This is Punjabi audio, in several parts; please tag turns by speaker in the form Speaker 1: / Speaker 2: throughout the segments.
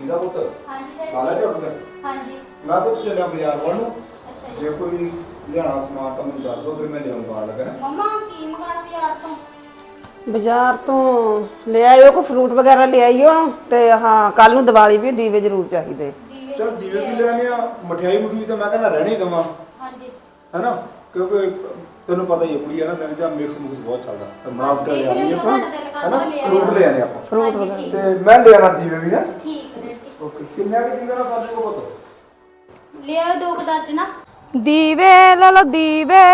Speaker 1: ਇਹਦਾ ਪੁੱਤ
Speaker 2: ਹਾਂਜੀ
Speaker 1: ਲਾ ਲੈ ਝਾੜੂ ਕਰ।
Speaker 2: ਹਾਂਜੀ
Speaker 1: ਮੈਂ ਤਾਂ ਚੱਲਿਆ ਬਾਜ਼ਾਰ ਵੱਲ ਨੂੰ।
Speaker 2: ਅੱਛਾ
Speaker 1: ਜੇ ਕੋਈ ਲਿਆਣਾ ਸਮਾਨ ਤਾਂ ਮੈਨੂੰ ਦੱਸ ਦਿਓ, ਫਿਰ ਮੈਂ ਲਿਆਉਣ ਬਾਹਰ ਲੱਗਾ।
Speaker 2: ਮੰਮਾ ਕੀ ਮੰਗਾਣਾ
Speaker 3: ਬਾਜ਼ਾਰ ਤੋਂ ਲੈ ਆਇਓ ਕੋ ਫਰੂਟ ਵਗੈਰਾ ਲੈ ਆਇਓ ਤੇ ਹਾਂ ਕੱਲ ਨੂੰ ਦੀਵਾਲੀ ਵੀ ਦੀਵੇ ਜ਼ਰੂਰ ਚਾਹੀਦੇ।
Speaker 1: ਚਲ ਦੀਵੇ ਵੀ ਲੈਣੇ ਆ, ਮਠਿਆਈ ਮਠੂਈ ਤਾਂ ਮੈਂ ਕਹਿੰਦਾ ਰਹਿਣੀ ਦਵਾਂ।
Speaker 2: ਹਾਂਜੀ
Speaker 1: ਹੈਨਾ, ਕਿਉਂਕਿ ਤੈਨੂੰ ਪਤਾ ਹੀ ਹੈ ਕੁੜੀ ਹੈ ਨਾ, ਦਿਨ ਜਾਂ ਮਿਕਸ ਮੁਕਸ ਬਹੁਤ ਚੱਲਦਾ ਤੇ ਮਾਫ ਕਰ ਲਿਆਣੀ ਆਪਾਂ। ਹੈਨਾ, ਫਰੂਟ ਲੈ ਆਣੇ ਆਪਾਂ,
Speaker 3: ਫਰੂਟ ਵਗੈਰਾ
Speaker 1: ਤੇ ਮੈਂ ਲੈ ਆਣਾ ਦੀਵੇ ਵੀ ਹੈ।
Speaker 2: ਠੀਕ ਹੈ ਜੀ।
Speaker 1: ਓਕੇ, ਕਿੰਨੇ ਕੁ ਦੀਵੇ ਨਾਲ ਸਾਡੇ ਕੋਲ ਪੁੱਤ?
Speaker 2: ਲੈ ਆਓ 2 ਦਰਜਨ
Speaker 4: ਦੀਵੇ ਲੈ ਲੋ ਦੀਵੇ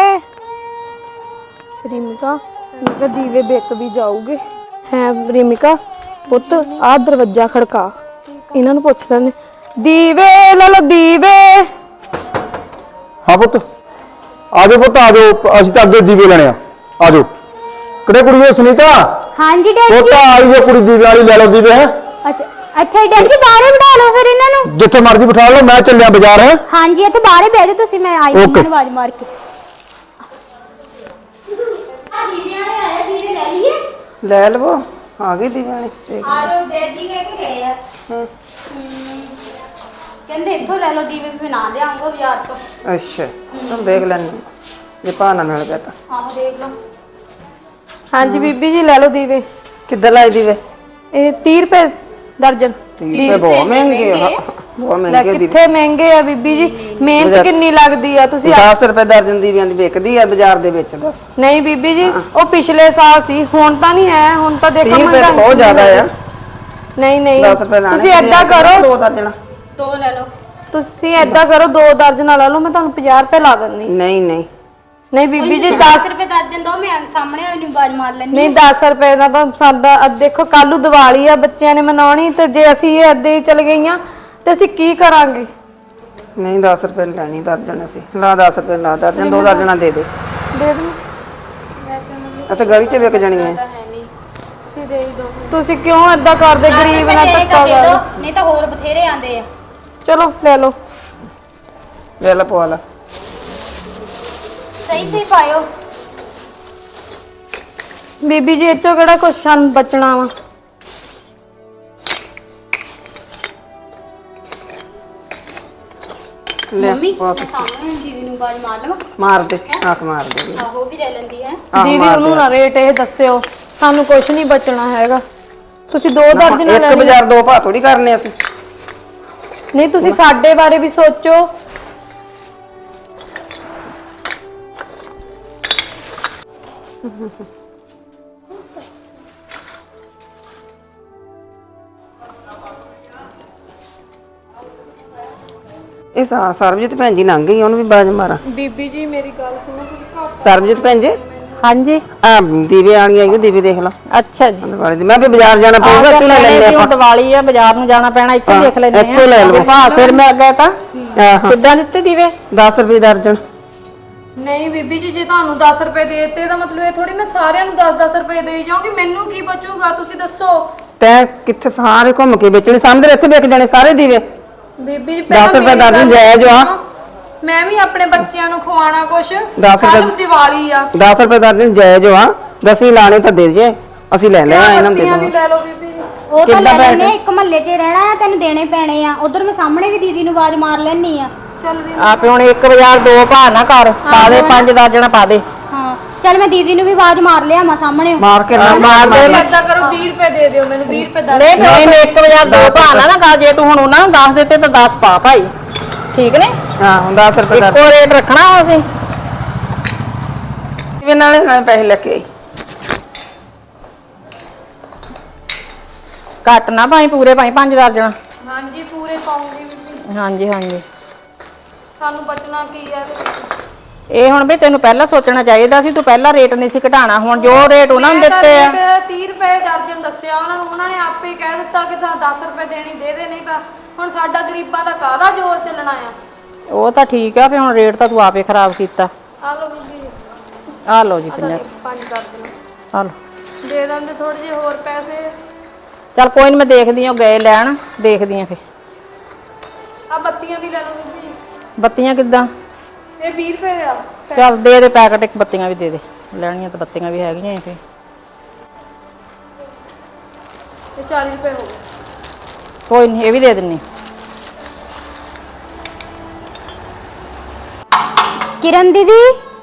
Speaker 4: ਰਿਮਿਕਾ ਮੈਂ ਕਿਹਾ ਦੀਵੇ ਵਿਕ ਵੀ ਜਾਊਗੇ ਹੈ ਰਿਮਿਕਾ ਪੁੱਤ ਆ ਦਰਵਾਜ਼ਾ ਖੜਕਾ ਇਹਨਾਂ ਨੂੰ ਪੁੱਛ ਲੈਣੇ ਦੀਵੇ ਲੈ ਲੋ ਦੀਵੇ
Speaker 1: ਹਾਂ ਪੁੱਤ ਆ ਜਾਓ ਪੁੱਤ ਆ ਜਾਓ, ਅਸੀਂ ਤਾਂ ਅੱਗੇ ਦੀਵੇ ਲੈਣੇ ਆ ਜਾਓ। ਕਿਹੜੇ ਕੁੜੀ ਹੈ ਸੁਨੀਤਾ?
Speaker 2: ਹਾਂਜੀ ਡੈਡੀ
Speaker 1: ਪੁੱਤ ਆਈ ਜੋ ਕੁੜੀ ਦੀਵੇ ਵਾਲੀ ਲੈ ਲਓ ਦੀਵੇ ਹੈ।
Speaker 2: ਅੱਛਾ ਡੈਡੀ ਜੀ ਬਾਹਰ ਬਿਠਾ ਲਓ ਫਿਰ ਇਹਨਾਂ ਨੂੰ।
Speaker 1: ਜਿੱਥੇ ਮਰਜ਼ੀ ਬਿਠਾ ਲਓ, ਮੈਂ ਚੱਲਿਆ ਬਾਜ਼ਾਰ ਹੈ।
Speaker 2: ਹਾਂਜੀ ਇੱਥੇ ਬਾਹਰ ਬਹਿ ਜਾਓ ਤੁਸੀਂ, ਮੈਂ ਆਈ ਇਹਨਾਂ ਨੂੰ ਆਵਾਜ਼ ਮਾਰ ਕੇ। ਆ ਦੀਵੇ ਵਾਲੇ ਆਏ, ਦੀਵੇ ਲੈ ਲਈਏ?
Speaker 3: ਲੈ ਲਵੋ, ਆ ਗਈ ਦੀਵਾਲੀ
Speaker 2: ਆ ਜਾਓ, ਡੈਡੀ ਕਹਿ ਕੇ ਗਏ ਆ। ਕਹਿੰਦੇ ਇੱਥੋਂ ਲੈ ਲਓ ਦੀਵੇ, ਫਿਰ ਨਾ ਲਿਆਉਂਗਾ ਬਾਜ਼ਾਰ ਤੋਂ।
Speaker 3: ਅੱਛਾ ਚਲ ਦੇਖ ਲੈਣੀ ਜੇ ਭਾਅ ਮਿਲ ਗਿਆ ਤਾਂ।
Speaker 2: ਆਹੋ ਦੇਖ ਲਓ।
Speaker 4: ਹਾਂਜੀ ਬੀਬੀ ਜੀ ਲੈ ਲੋ ਦੀਵੇ
Speaker 3: ਕਿੱਦਾਂ ਲਾਈ ਦੀਵੇ?
Speaker 4: ਇਹ 30 ਰੁਪਏ ਦਰਜਨ।
Speaker 3: ਦੀਵੇ ਬਹੁਤ ਮਹਿੰਗੇ ਆ, ਬਹੁਤ
Speaker 4: ਲੈ
Speaker 3: ਮਹਿੰਗੇ ਦੀਵੇ।
Speaker 4: ਕਿੱਥੇ ਮਹਿੰਗੇ ਆ ਬੀਬੀ ਜੀ, ਮਿਹਨਤ ਕਿੰਨੀ ਲੱਗਦੀ ਆ। ਤੁਸੀਂ
Speaker 3: 10 ਰੁਪਏ ਦਰਜਨ ਦੀਵਿਆਂ ਦੀ ਵਿਕਦੀ ਆ ਬਾਜ਼ਾਰ ਦੇ ਵਿੱਚ। ਦੱਸ
Speaker 4: ਨਹੀਂ ਬੀਬੀ ਜੀ ਉਹ ਪਿਛਲੇ ਸਾਲ ਸੀ, ਹੁਣ ਤਾਂ ਨਹੀਂ ਹੈ, ਹੁਣ ਤਾਂ ਦੇਖੋ
Speaker 3: 30 ਰੁਪਏ ਤਾਂ ਬਹੁਤ ਜ਼ਿਆਦਾ ਆ।
Speaker 4: ਨਹੀਂ ਨਹੀਂ
Speaker 3: 10 ਰੁਪਏ ਲਾਣੇ
Speaker 4: ਤੁਸੀਂ ਏਦਾਂ ਕਰੋ,
Speaker 3: 2 ਦਰਜਨ।
Speaker 2: 2 ਲੈ ਲਓ।
Speaker 4: ਤੁਸੀਂ ਏਦਾਂ ਕਰੋ 2 ਦਰਜਨ ਲੈ ਲਓ, ਮੈਂ ਤੁਹਾਨੂੰ 50 ਰੁਪਏ ਲਾ ਦਿੰਦੀ।
Speaker 3: ਨਹੀਂ ਨਹੀਂ
Speaker 4: ਨਹੀਂ ਬੀਬੀ ਜੀ
Speaker 2: 10 ਰੁਪਏ ਦਰਜਨ ਦੋ, ਮੈਂ ਸਾਹਮਣੇ ਵਾਲੇ ਨੂੰ ਆਵਾਜ਼ ਮਾਰ ਲੈਣੀ।
Speaker 4: ਨਹੀਂ 10 ਰੁਪਏ ਦਾ ਤਾਂ ਸਾਡਾ ਦੇਖੋ ਕੱਲ ਨੂੰ ਦੀਵਾਲੀ ਆ, ਬੱਚਿਆਂ ਨੇ ਮਨਾਉਣੀ, ਤੇ ਜੇ ਅਸੀਂ ਇਹ ਏਦਾਂ ਹੀ ਚਲ ਗਈਆਂ ਤੇ ਅਸੀਂ ਕੀ ਕਰਾਂਗੇ?
Speaker 3: ਨਹੀਂ 10 ਰੁਪਏ ਲੈਣੀ ਦਰਜਨ। ਅਸੀਂ ਲਾ 10 ਰੁਪਏ ਲਾ ਦਰਜਨ, 2 ਦਰਜਨਾਂ ਦੇ ਦੇ।
Speaker 4: ਦੇ ਦਿਓ।
Speaker 3: ਅਤੇ ਗਲੀ 'ਚ ਵਿਕ ਜਾਣੀਆਂ।
Speaker 4: ਤੁਸੀਂ ਕਿਉਂ ਏਦਾਂ ਕਰਦੇ, ਗਰੀਬ ਨਾਲ ਧੱਕਾ ਕਰਦੇ?
Speaker 2: ਨਹੀਂ ਤਾਂ ਹੋਰ ਬਥੇਰੇ ਆਂਦੇ ਆ।
Speaker 4: ਚਲੋ ਲੈ ਲਓ।
Speaker 3: ਲੈ ਲਾ ਪਵਾ ਲਾ।
Speaker 2: ਸਹੀ ਸਹੀ ਪਾਇਓ।
Speaker 4: ਬੀਬੀ ਜੀ ਇੱਥੋਂ ਕਿਹੜਾ ਕੁਛ ਸਾਨੂੰ ਬਚਣਾ ਵਾ?
Speaker 3: ਲੈ
Speaker 2: ਮੰਮੀ
Speaker 3: ਪਵਾ
Speaker 2: ਮੈਂ ਸਾਹਮਣੇ ਦੀਦੀ ਨੂੰ ਆਵਾਜ਼ ਮਾਰ ਲਵਾਂ?
Speaker 3: ਮਾਰ ਦੇ, ਆਖ ਮਾਰ ਦੇ।
Speaker 2: ਆਹੋ ਵੀ ਲੈ ਲੈਂਦੀ ਹੈ।
Speaker 4: ਦੀਦੀ ਉਹਨੂੰ ਨਾ ਰੇਟ ਇਹ ਦੱਸਿਓ, ਸਾਨੂੰ ਕੁਛ ਨਹੀਂ ਬਚਣਾ ਹੈਗਾ। ਤੁਸੀਂ 2 ਦਰਜਨ ਲੈ
Speaker 3: ਇੱਕ ਬਾਜ਼ਾਰ 2 ਭਾਅ ਥੋੜੀ ਕਰਨੇ ਅਸੀਂ।
Speaker 4: ਨਹੀਂ ਤੁਸੀਂ ਸਾਡੇ ਬਾਰੇ ਵੀ ਸੋਚੋ।
Speaker 3: ਇਹ ਸਰਬਜੀਤ ਭੈਣ ਜੀ ਲੰਘ ਗਈ, ਉਹਨੂੰ ਵੀ ਬਾਜ ਮਾਰਾਂ।
Speaker 4: ਬੀਬੀ ਜੀ ਮੇਰੀ ਗੱਲ ਸੁਣੋ ਤੁਸੀਂ।
Speaker 3: ਸਰਬਜੀਤ ਭੈਣ ਜੀ
Speaker 4: ਹਾਂਜੀ
Speaker 3: ਆ ਦੀਵੇ ਆਣੀ ਆਈ, ਦੀਵੇ ਦੇਖ ਲਾ।
Speaker 4: ਅੱਛਾ ਜੀ
Speaker 3: ਦੀਵਾਲੀ ਦੀ ਮੈਂ ਵੀ ਬਾਜ਼ਾਰ ਜਾਣਾ ਪਊਗਾ, ਇੱਥੇ ਲੈ ਲੈਣੇ ਆਪਾਂ।
Speaker 4: ਦੀਵਾਲੀ ਆ, ਬਾਜ਼ਾਰ ਨੂੰ ਜਾਣਾ ਪੈਣਾ, ਇੱਥੇ ਦੇਖ ਲੈਣੇ ਆ।
Speaker 3: ਇੱਥੋਂ ਲੈ ਲਓ।
Speaker 4: ਹਾਂ ਸਿਰ ਮੈਂ ਅੱਗੇ ਤਾਂ
Speaker 3: ਆਹ
Speaker 4: ਕਿੱਦਾਂ ਦਿੱਤੇ ਦੀਵੇ?
Speaker 3: 10 ਰੁਪਏ ਦਰਜਨ।
Speaker 4: ਨਹੀਂ ਬੀਬੀ ਜੀ ਜੇ ਤੁਹਾਨੂੰ 10 ਰੁਪਏ ਦੇ ਦਿੱਤੇ ਤਾਂ ਮਤਲਬ ਇਹ ਥੋੜੀ ਮੈਂ ਸਾਰਿਆਂ ਨੂੰ 10-10 ਰੁਪਏ ਦੇਈ ਜਾਊਂਗੀ, ਮੈਨੂੰ ਕੀ ਬਚੂਗਾ ਤੁਸੀਂ ਦੱਸੋ?
Speaker 3: ਤੈਂ ਕਿੱਥੇ ਸਾਰੇ ਘੁੰਮ ਕੇ ਵੇਚਣੇ, ਸਾਹਮਣੇ ਇੱਥੇ ਵਿਕ ਜਾਣੇ ਸਾਰੇ ਦੀਵੇ।
Speaker 4: ਬੀਬੀ ਜੀ
Speaker 3: 10 ਰੁਪਏ ਦਰਜਨ ਜਾਇਜ਼ ਆ।
Speaker 4: ਮੈਂ ਵੀ ਆਪਣੇ ਬੱਚਿਆਂ ਨੂੰ ਖਵਾਉਣਾ ਕੁਛ।
Speaker 3: 10 ਰੁਪਏ
Speaker 4: ਦੀਵਾਲੀ ਆ।
Speaker 3: 10 ਰੁਪਏ ਦਰਜਨ ਜਾਇਜ਼ ਆ। 10 ਲਾਣੇ ਤਾਂ ਦੇ ਜੇ, ਅਸੀਂ ਲੈ ਲਿਆ ਇਹਨਾਂ ਦੇ
Speaker 4: ਵੀ ਲੈ ਲਓ ਬੀਬੀ ਜੀ।
Speaker 2: ਉਹ ਤਾਂ ਲੈ ਲੈਣੇ, ਇੱਕ ਮਹੱਲੇ 'ਚ ਰਹਿਣਾ ਆ, ਤੈਨੂੰ ਦੇਣੇ ਪੈਣੇ ਆ। ਉਧਰ ਮੈਂ ਸਾਹਮਣੇ ਵੀ ਦੀਦੀ ਨੂੰ ਆਵਾਜ਼ ਮਾਰ ਲੈਣੀ ਆ।
Speaker 4: ਚੱਲ ਵੀ
Speaker 3: ਆਪੇ ਹੁਣ 1 ਬਾਜ਼ਾਰ 2 ਭਾਅ ਨਾ ਕਰ, ਪਾ ਦੇ 5 ਦਰਜਨ ਪਾ ਦੇ।
Speaker 2: ਹਾਂ ਚੱਲ ਮੈਂ ਦੀਦੀ ਨੂੰ ਵੀ ਆਵਾਜ਼ ਮਾਰ ਲਿਆ ਮੈਂ ਸਾਹਮਣੇ।
Speaker 3: ਮਾਰ ਕੇ ਨਾ ਮਾਰ ਦੇ।
Speaker 4: ਏਦਾਂ ਕਰੋ 20 ਰੁਪਏ ਦੇ ਦਿਓ ਮੈਨੂੰ, 20 ਰੁਪਏ ਦਾ।
Speaker 3: ਨਹੀਂ 1 ਬਾਜ਼ਾਰ 2 ਭਾਅ ਨਾ ਕਰ, ਜੇ ਤੂੰ ਹੁਣ ਉਹਨਾਂ ਨੂੰ 10 ਦਿੱਤੇ ਤਾਂ 10 ਪਾ ਭਾਈ, ਠੀਕ ਨੇ? ਹਾਂ 10 ਰੁਪਏ ਦਾ ਇੱਕੋ ਰੇਟ ਰੱਖਣਾ ਅਸੀਂ। ਕਿਵੇਂ ਨਾਲੇ ਪੈਸੇ ਲੈ ਕੇ ਆਈ, ਘੱਟ ਨਾ ਭਾਈ, ਪੂਰੇ ਭਾਈ 5 ਦਰਜਨ।
Speaker 4: ਹਾਂਜੀ ਪੂਰੇ ਪਾਉਂਗੀ ਬੀਬੀ।
Speaker 3: ਹਾਂਜੀ ਹਾਂਜੀ।
Speaker 4: ਸਾਨੂੰ ਬਚਣਾ ਕੀ ਆ?
Speaker 3: ਇਹ ਹੁਣ ਵੀ ਤੈਨੂੰ ਪਹਿਲਾਂ ਸੋਚਣਾ ਚਾਹੀਦਾ ਸੀ, ਤੂੰ ਪਹਿਲਾਂ ਰੇਟ ਨਹੀਂ ਸੀ ਘਟਾਣਾ। ਹੁਣ ਜੋ ਰੇਟ ਉਹਨਾਂ ਨੂੰ ਦਿੱਤੇ ਆ
Speaker 4: 30 ਰੁਪਏ ਦਰਜਨ ਦੱਸਿਆ ਉਹਨਾਂ ਨੂੰ, ਉਹਨਾਂ ਨੇ ਆਪੇ ਕਹਿ ਦਿੱਤਾ ਕਿ 10 ਰੁਪਏ ਦੇਣੀ ਦੇ ਦੇ, ਨਹੀਂ ਤਾਂ ਹੁਣ ਸਾਡਾ ਗਰੀਬਾਂ ਦਾ ਕਾਹਦਾ ਜੋਰ ਚੱਲਣਾ ਆ।
Speaker 3: ਉਹ ਤਾਂ ਠੀਕ ਆ, ਫਿਰ ਹੁਣ ਰੇਟ ਤਾਂ ਤੂੰ ਆਪੇ ਖਰਾਬ ਕੀਤਾ।
Speaker 4: ਆ ਲਓ ਬੀਬੀ ਜੀ,
Speaker 3: ਆ ਲਓ ਜੀ 50
Speaker 4: 5 ਦਰਜਨ
Speaker 3: ਆ ਲਓ।
Speaker 4: ਦੇ ਦਿੰਦੇ ਥੋੜੇ ਜਿਹੇ ਹੋਰ ਪੈਸੇ।
Speaker 3: ਚੱਲ ਕੋਈ ਨੀ, ਮੈਂ ਦੇਖਦੀ ਆ, ਗਏ ਲੈਣ, ਦੇਖਦੀ ਆ ਫਿਰ।
Speaker 4: ਆ ਬੱਤੀਆਂ ਵੀ ਲੈ ਲਓ ਬੀਬੀ ਜੀ।
Speaker 3: ਬੱਤੀਆਂ ਕਿੱਦਾਂ?
Speaker 4: ਇਹ 20 ਰੁਪਏ ਆ।
Speaker 3: ਚੱਲ ਦੇ ਦੇ ਪੈਕਟ, ਇੱਕ ਬੱਤੀਆਂ ਵੀ ਦੇ ਦੇ, ਲੈਣੀਆਂ ਤਾਂ ਬੱਤੀਆਂ ਵੀ ਹੈਗੀਆਂ ਇੱਥੇ।
Speaker 4: ਇਹ 40 ਰੁਪਏ ਹੋ ਗਏ।
Speaker 3: ਕੋਈ ਨਹੀਂ, ਇਹ ਵੀ ਦੇ ਦਿੰਨੀ।
Speaker 2: ਕਿਰਨ ਦੀਦੀ,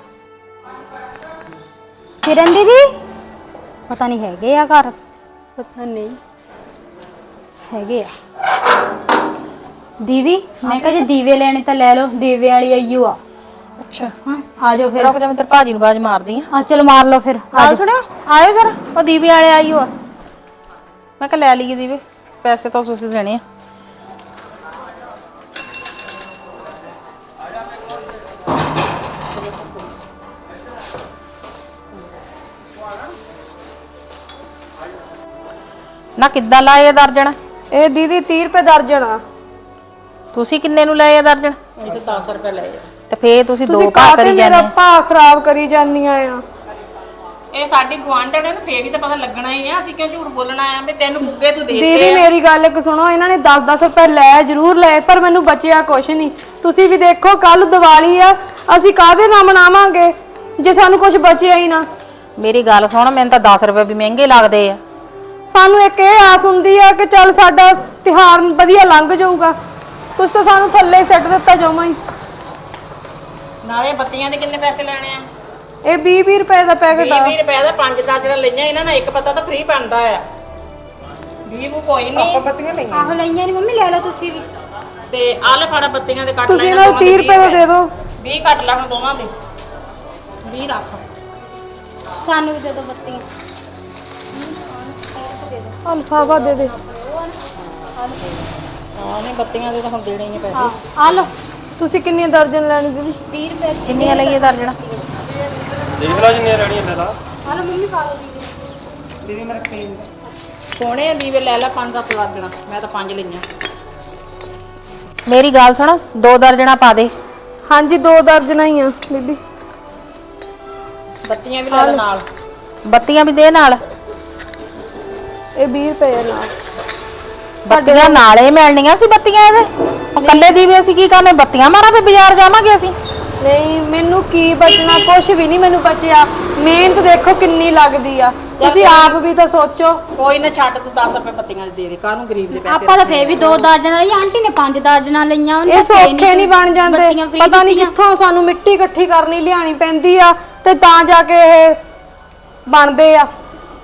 Speaker 2: ਕਿਰਨ ਦੀਦੀ, ਪਤਾ ਨਹੀਂ ਹੈਗੇ ਆ ਘਰ?
Speaker 4: ਪਤਾ ਨਹੀਂ
Speaker 2: ਹੈਗੇ ਆ। ਦੀਦੀ ਮੈਂ ਕਿਹਾ ਜੇ ਦੀਵੇ ਲੈਣੇ ਤਾਂ ਲੈ ਲਓ, ਦੀਵੇ ਵਾਲੀ ਆਈਓ ਆ।
Speaker 3: ਅੱਛਾ,
Speaker 2: ਹਾਂ ਆ ਜਾਓ ਫਿਰ।
Speaker 3: ਰੁਕ ਜਾ, ਮੈਂ ਤੇਰੇ ਭਾਜੀ ਨੂੰ ਆਵਾਜ਼ ਮਾਰਦੀ ਆ।
Speaker 2: ਹਾਂ ਚਲੋ ਮਾਰ ਲਓ ਫਿਰ। ਆ
Speaker 3: ਆਓ
Speaker 2: ਜਾਓ।
Speaker 3: ਸੁਣਿਓ, ਆਇਓ ਜਰਾ, ਉਹ ਦੀਵੇ ਵਾਲੇ ਆਈਓ ਆ। ਮੈਂ ਕਿਹਾ ਲੈ ਲਈਏ ਦੀਵੇ, ਪੈਸੇ ਤਾਂ ਤੁਸੀਂ ਦੇਣੇ ਆ। ਨਾ ਕਿੱਦਾਂ ਲਾਏ ਆ ਦਰਜਨ?
Speaker 4: ਇਹ ਦੀਦੀ 30 ਰੁਪਏ ਦਰਜਨ ਆ।
Speaker 3: ਤੁਸੀਂ ਕਿੰਨੇ ਨੂੰ ਲਏ ਆ ਦਰਜਨ? ਇਹ ਤਾਂ 10 ਰੁਪਏ ਲਏ ਆ। ਤੇ ਫੇਰ ਤੁਸੀਂ ਦੋ
Speaker 4: ਤੁਸੀਂ
Speaker 3: ਭਾਅ
Speaker 4: ਕਾਹਤੇ
Speaker 3: ਕਰੀ
Speaker 4: ਮੇਰਾ
Speaker 3: ਜਾਂਦੇ ਆ।
Speaker 4: ਭਾਅ ਖਰਾਬ ਕਰੀ ਜਾਂਦੀਆਂ ਆ।
Speaker 5: ਇਹ ਸਾਡੀ ਗੁਆਂਢਣ ਹੈ ਨਾ, ਫੇਰ ਵੀ ਤਾਂ ਪਤਾ ਲੱਗਣਾ ਹੀ ਆ। ਅਸੀਂ ਕਿਉਂ ਝੂਠ ਬੋਲਣਾ ਆ ਵੀ ਤੈਨੂੰ ਮੁੱਗੇ ਤੂੰ ਦੇ
Speaker 4: ਦੀਦੀ
Speaker 5: ਦਿੱਤੇ ਆ।
Speaker 4: ਮੇਰੀ ਗੱਲ ਇੱਕ ਸੁਣੋ, ਇਹਨਾਂ ਨੇ 10-10 ਰੁਪਏ ਲੈ ਜ਼ਰੂਰ ਲਏ, ਪਰ ਮੈਨੂੰ ਬਚਿਆ ਕੁਛ ਨਹੀਂ। ਤੁਸੀਂ ਵੀ ਦੇਖੋ ਕੱਲ ਦੀਵਾਲੀ ਆ, ਅਸੀਂ ਕਾਹਦੇ ਨਾਲ ਮਨਾਵਾਂਗੇ ਜੇ ਸਾਨੂੰ ਕੁਝ ਬਚਿਆ ਹੀ ਨਾ।
Speaker 3: ਮੇਰੀ ਗੱਲ ਸੁਣ, ਮੈਨੂੰ ਤਾਂ 10 ਰੁਪਏ ਵੀ ਮਹਿੰਗੇ ਲੱਗਦੇ ਆ।
Speaker 4: ਸਾਨੂੰ ਇੱਕ ਇਹ ਆਸ ਹੁੰਦੀ ਆ ਕਿ ਚੱਲ ਸਾਡਾ ਤਿਉਹਾਰ ਵਧੀਆ ਲੰਘ ਜਾਊਗਾ। ਤੁਸੀਂ ਤਾਂ ਸਾਨੂੰ ਥੱਲੇ ਸਿੱਟ ਦਿੱਤਾ ਜਮਾਂ ਹੀ।
Speaker 5: ਨਾਲੇ ਬੱਤੀਆਂ ਦੇ ਕਿੰਨੇ ਪੈਸੇ ਲੈਣੇ ਆ?
Speaker 4: ਇਹ 20-20 ਰੁਪਏ ਦਾ ਪੈਕਟ ਆ।
Speaker 5: 20 ਰੁਪਏ ਦਾ 5 ਦਰਜਨ ਲਈਆਂ ਇਹਨਾਂ ਨੇ, ਇੱਕ ਪਤਾ ਤਾਂ ਫ੍ਰੀ ਪੈਂਦਾ ਆ। 20 ਨੂੰ ਕੋਈ ਨਹੀਂ।
Speaker 2: ਆਹੋ ਲਈਆਂ ਨਹੀਂ ਮੰਮੀ, ਲੈ ਲਓ ਤੁਸੀਂ ਵੀ।
Speaker 5: ਤੇ ਆਹ ਲੈ ਫੜਾ ਬੱਤੀਆਂ ਦੇ ਕੱਟ
Speaker 4: ਤੁਸੀਂ
Speaker 5: ਲੈਣਾ।
Speaker 4: ਇਹਨਾਂ 30 ਰੁਪਏ ਦਾ ਦੇ ਦਿਓ।
Speaker 5: 20 ਕੱਟ ਲੈ ਹੁਣ ਦੋਵਾਂ ਦੇ। 20 ਰੱਖ।
Speaker 2: ਸਾਨੂੰ ਵੀ ਦੇ ਦਿਓ ਬੱਤੀਆਂ।
Speaker 4: ਅਲਫਾਵਾ ਦੇ ਦੇ।
Speaker 5: ਹਾਂ ਨਹੀਂ, ਬੱਤੀਆਂ ਦੇ ਤਾਂ ਹੁਣ ਦੇਣੇ ਹੀ ਪੈਸੇ।
Speaker 2: ਆ ਲਓ।
Speaker 4: ਤੁਸੀਂ ਕਿੰਨੀਆਂ ਦਰਜਨ ਲੈਣੀ ਦੀਦੀ?
Speaker 2: 20 ਰੁਪਏ ਦੀ।
Speaker 3: ਕਿੰਨੀਆਂ ਲਈਏ ਦਰਜਨ?
Speaker 6: ਦੇਖ ਲਾ ਜਿੰਨੀਆਂ ਲੈਣੀਆਂ ਲੈ ਲਾ।
Speaker 2: ਆ ਲਓ ਮੰਮੀ, ਪਾ ਲਓ ਦੀਦੀ।
Speaker 5: ਸੋਹਣੇ ਆ ਦੀਵੇ, ਲੈ ਲੈ 5-7 ਦਰਜਣਾ। ਮੈਂ ਤਾਂ 5 ਲਈਆਂ।
Speaker 3: ਮੇਰੀ ਗੱਲ ਸੁਣ, 2 ਦਰਜਣਾ ਪਾ ਦੇ।
Speaker 4: ਹਾਂਜੀ 2 ਦਰਜਨਾਂ ਹੀ ਆ ਦੀਦੀ।
Speaker 5: ਬੱਤੀਆਂ ਵੀ ਲੈ ਲੈ ਨਾਲ।
Speaker 3: ਬੱਤੀਆਂ ਵੀ ਦੇ ਨਾਲ।
Speaker 4: ਇਹ 20 ਰੁਪਏ ਨਾਲ।
Speaker 3: ਬੱਤੀਆਂ ਨਾਲੇ ਮਿਲਣੀਆਂ ਸੀ ਬੱਤੀਆਂ ਇਹਦੇ। ਉਹ ਕੱਲੇ ਦੀਵੇ ਅਸੀਂ ਕੀ ਕਰਨੇ? ਬੱਤੀਆਂ ਮਾਰਾਂ ਫੇ ਬਾਜ਼ਾਰ ਜਾਵਾਂਗੇ ਅਸੀਂ।
Speaker 4: ਨਹੀਂ ਮੈਨੂੰ ਕੀ ਬਚਣਾ, ਕੁਝ ਵੀ ਨਹੀਂ ਮੈਨੂੰ ਬਚਿਆ। ਮਿਹਨਤ ਦੇਖੋ ਕਿੰਨੀ ਲੱਗਦੀ ਆ, ਤੁਸੀਂ ਆਪ ਵੀ ਤਾਂ ਸੋਚੋ।
Speaker 5: ਕੋਈ ਨਾ ਛੱਡ, ਤੂੰ 10 ਰੁਪਏ ਬੱਤੀਆਂ ਦੇ ਦੇ। ਕਾਹਨੂੰ ਗਰੀਬ ਦੇ ਪੈਸੇ?
Speaker 2: ਆਪਾਂ ਤਾਂ ਫੇਰ ਵੀ 2 ਦਰਜਨ ਲਈ, ਆਂਟੀ ਨੇ 5 ਦਰਜਨਾਂ ਲਈਆਂ। ਉਹਨੇ
Speaker 4: ਇਹ
Speaker 2: ਤਾਂ ਫੇਰ
Speaker 4: ਸੌਖੇ ਨਹੀਂ ਬਣ ਜਾਂਦੇ।
Speaker 2: ਬੱਤੀਆਂ free
Speaker 4: ਪਤਾ ਨਹੀਂ
Speaker 2: ਦਿੱਤੀਆਂ।
Speaker 4: ਕਿੱਥੋਂ ਸਾਨੂੰ ਮਿੱਟੀ ਇਕੱਠੀ ਕਰਨੀ ਲਿਆਣੀ ਪੈਂਦੀ ਆ ਤੇ ਤਾਂ ਜਾ ਕੇ ਇਹ ਬਣਦੇ ਆ।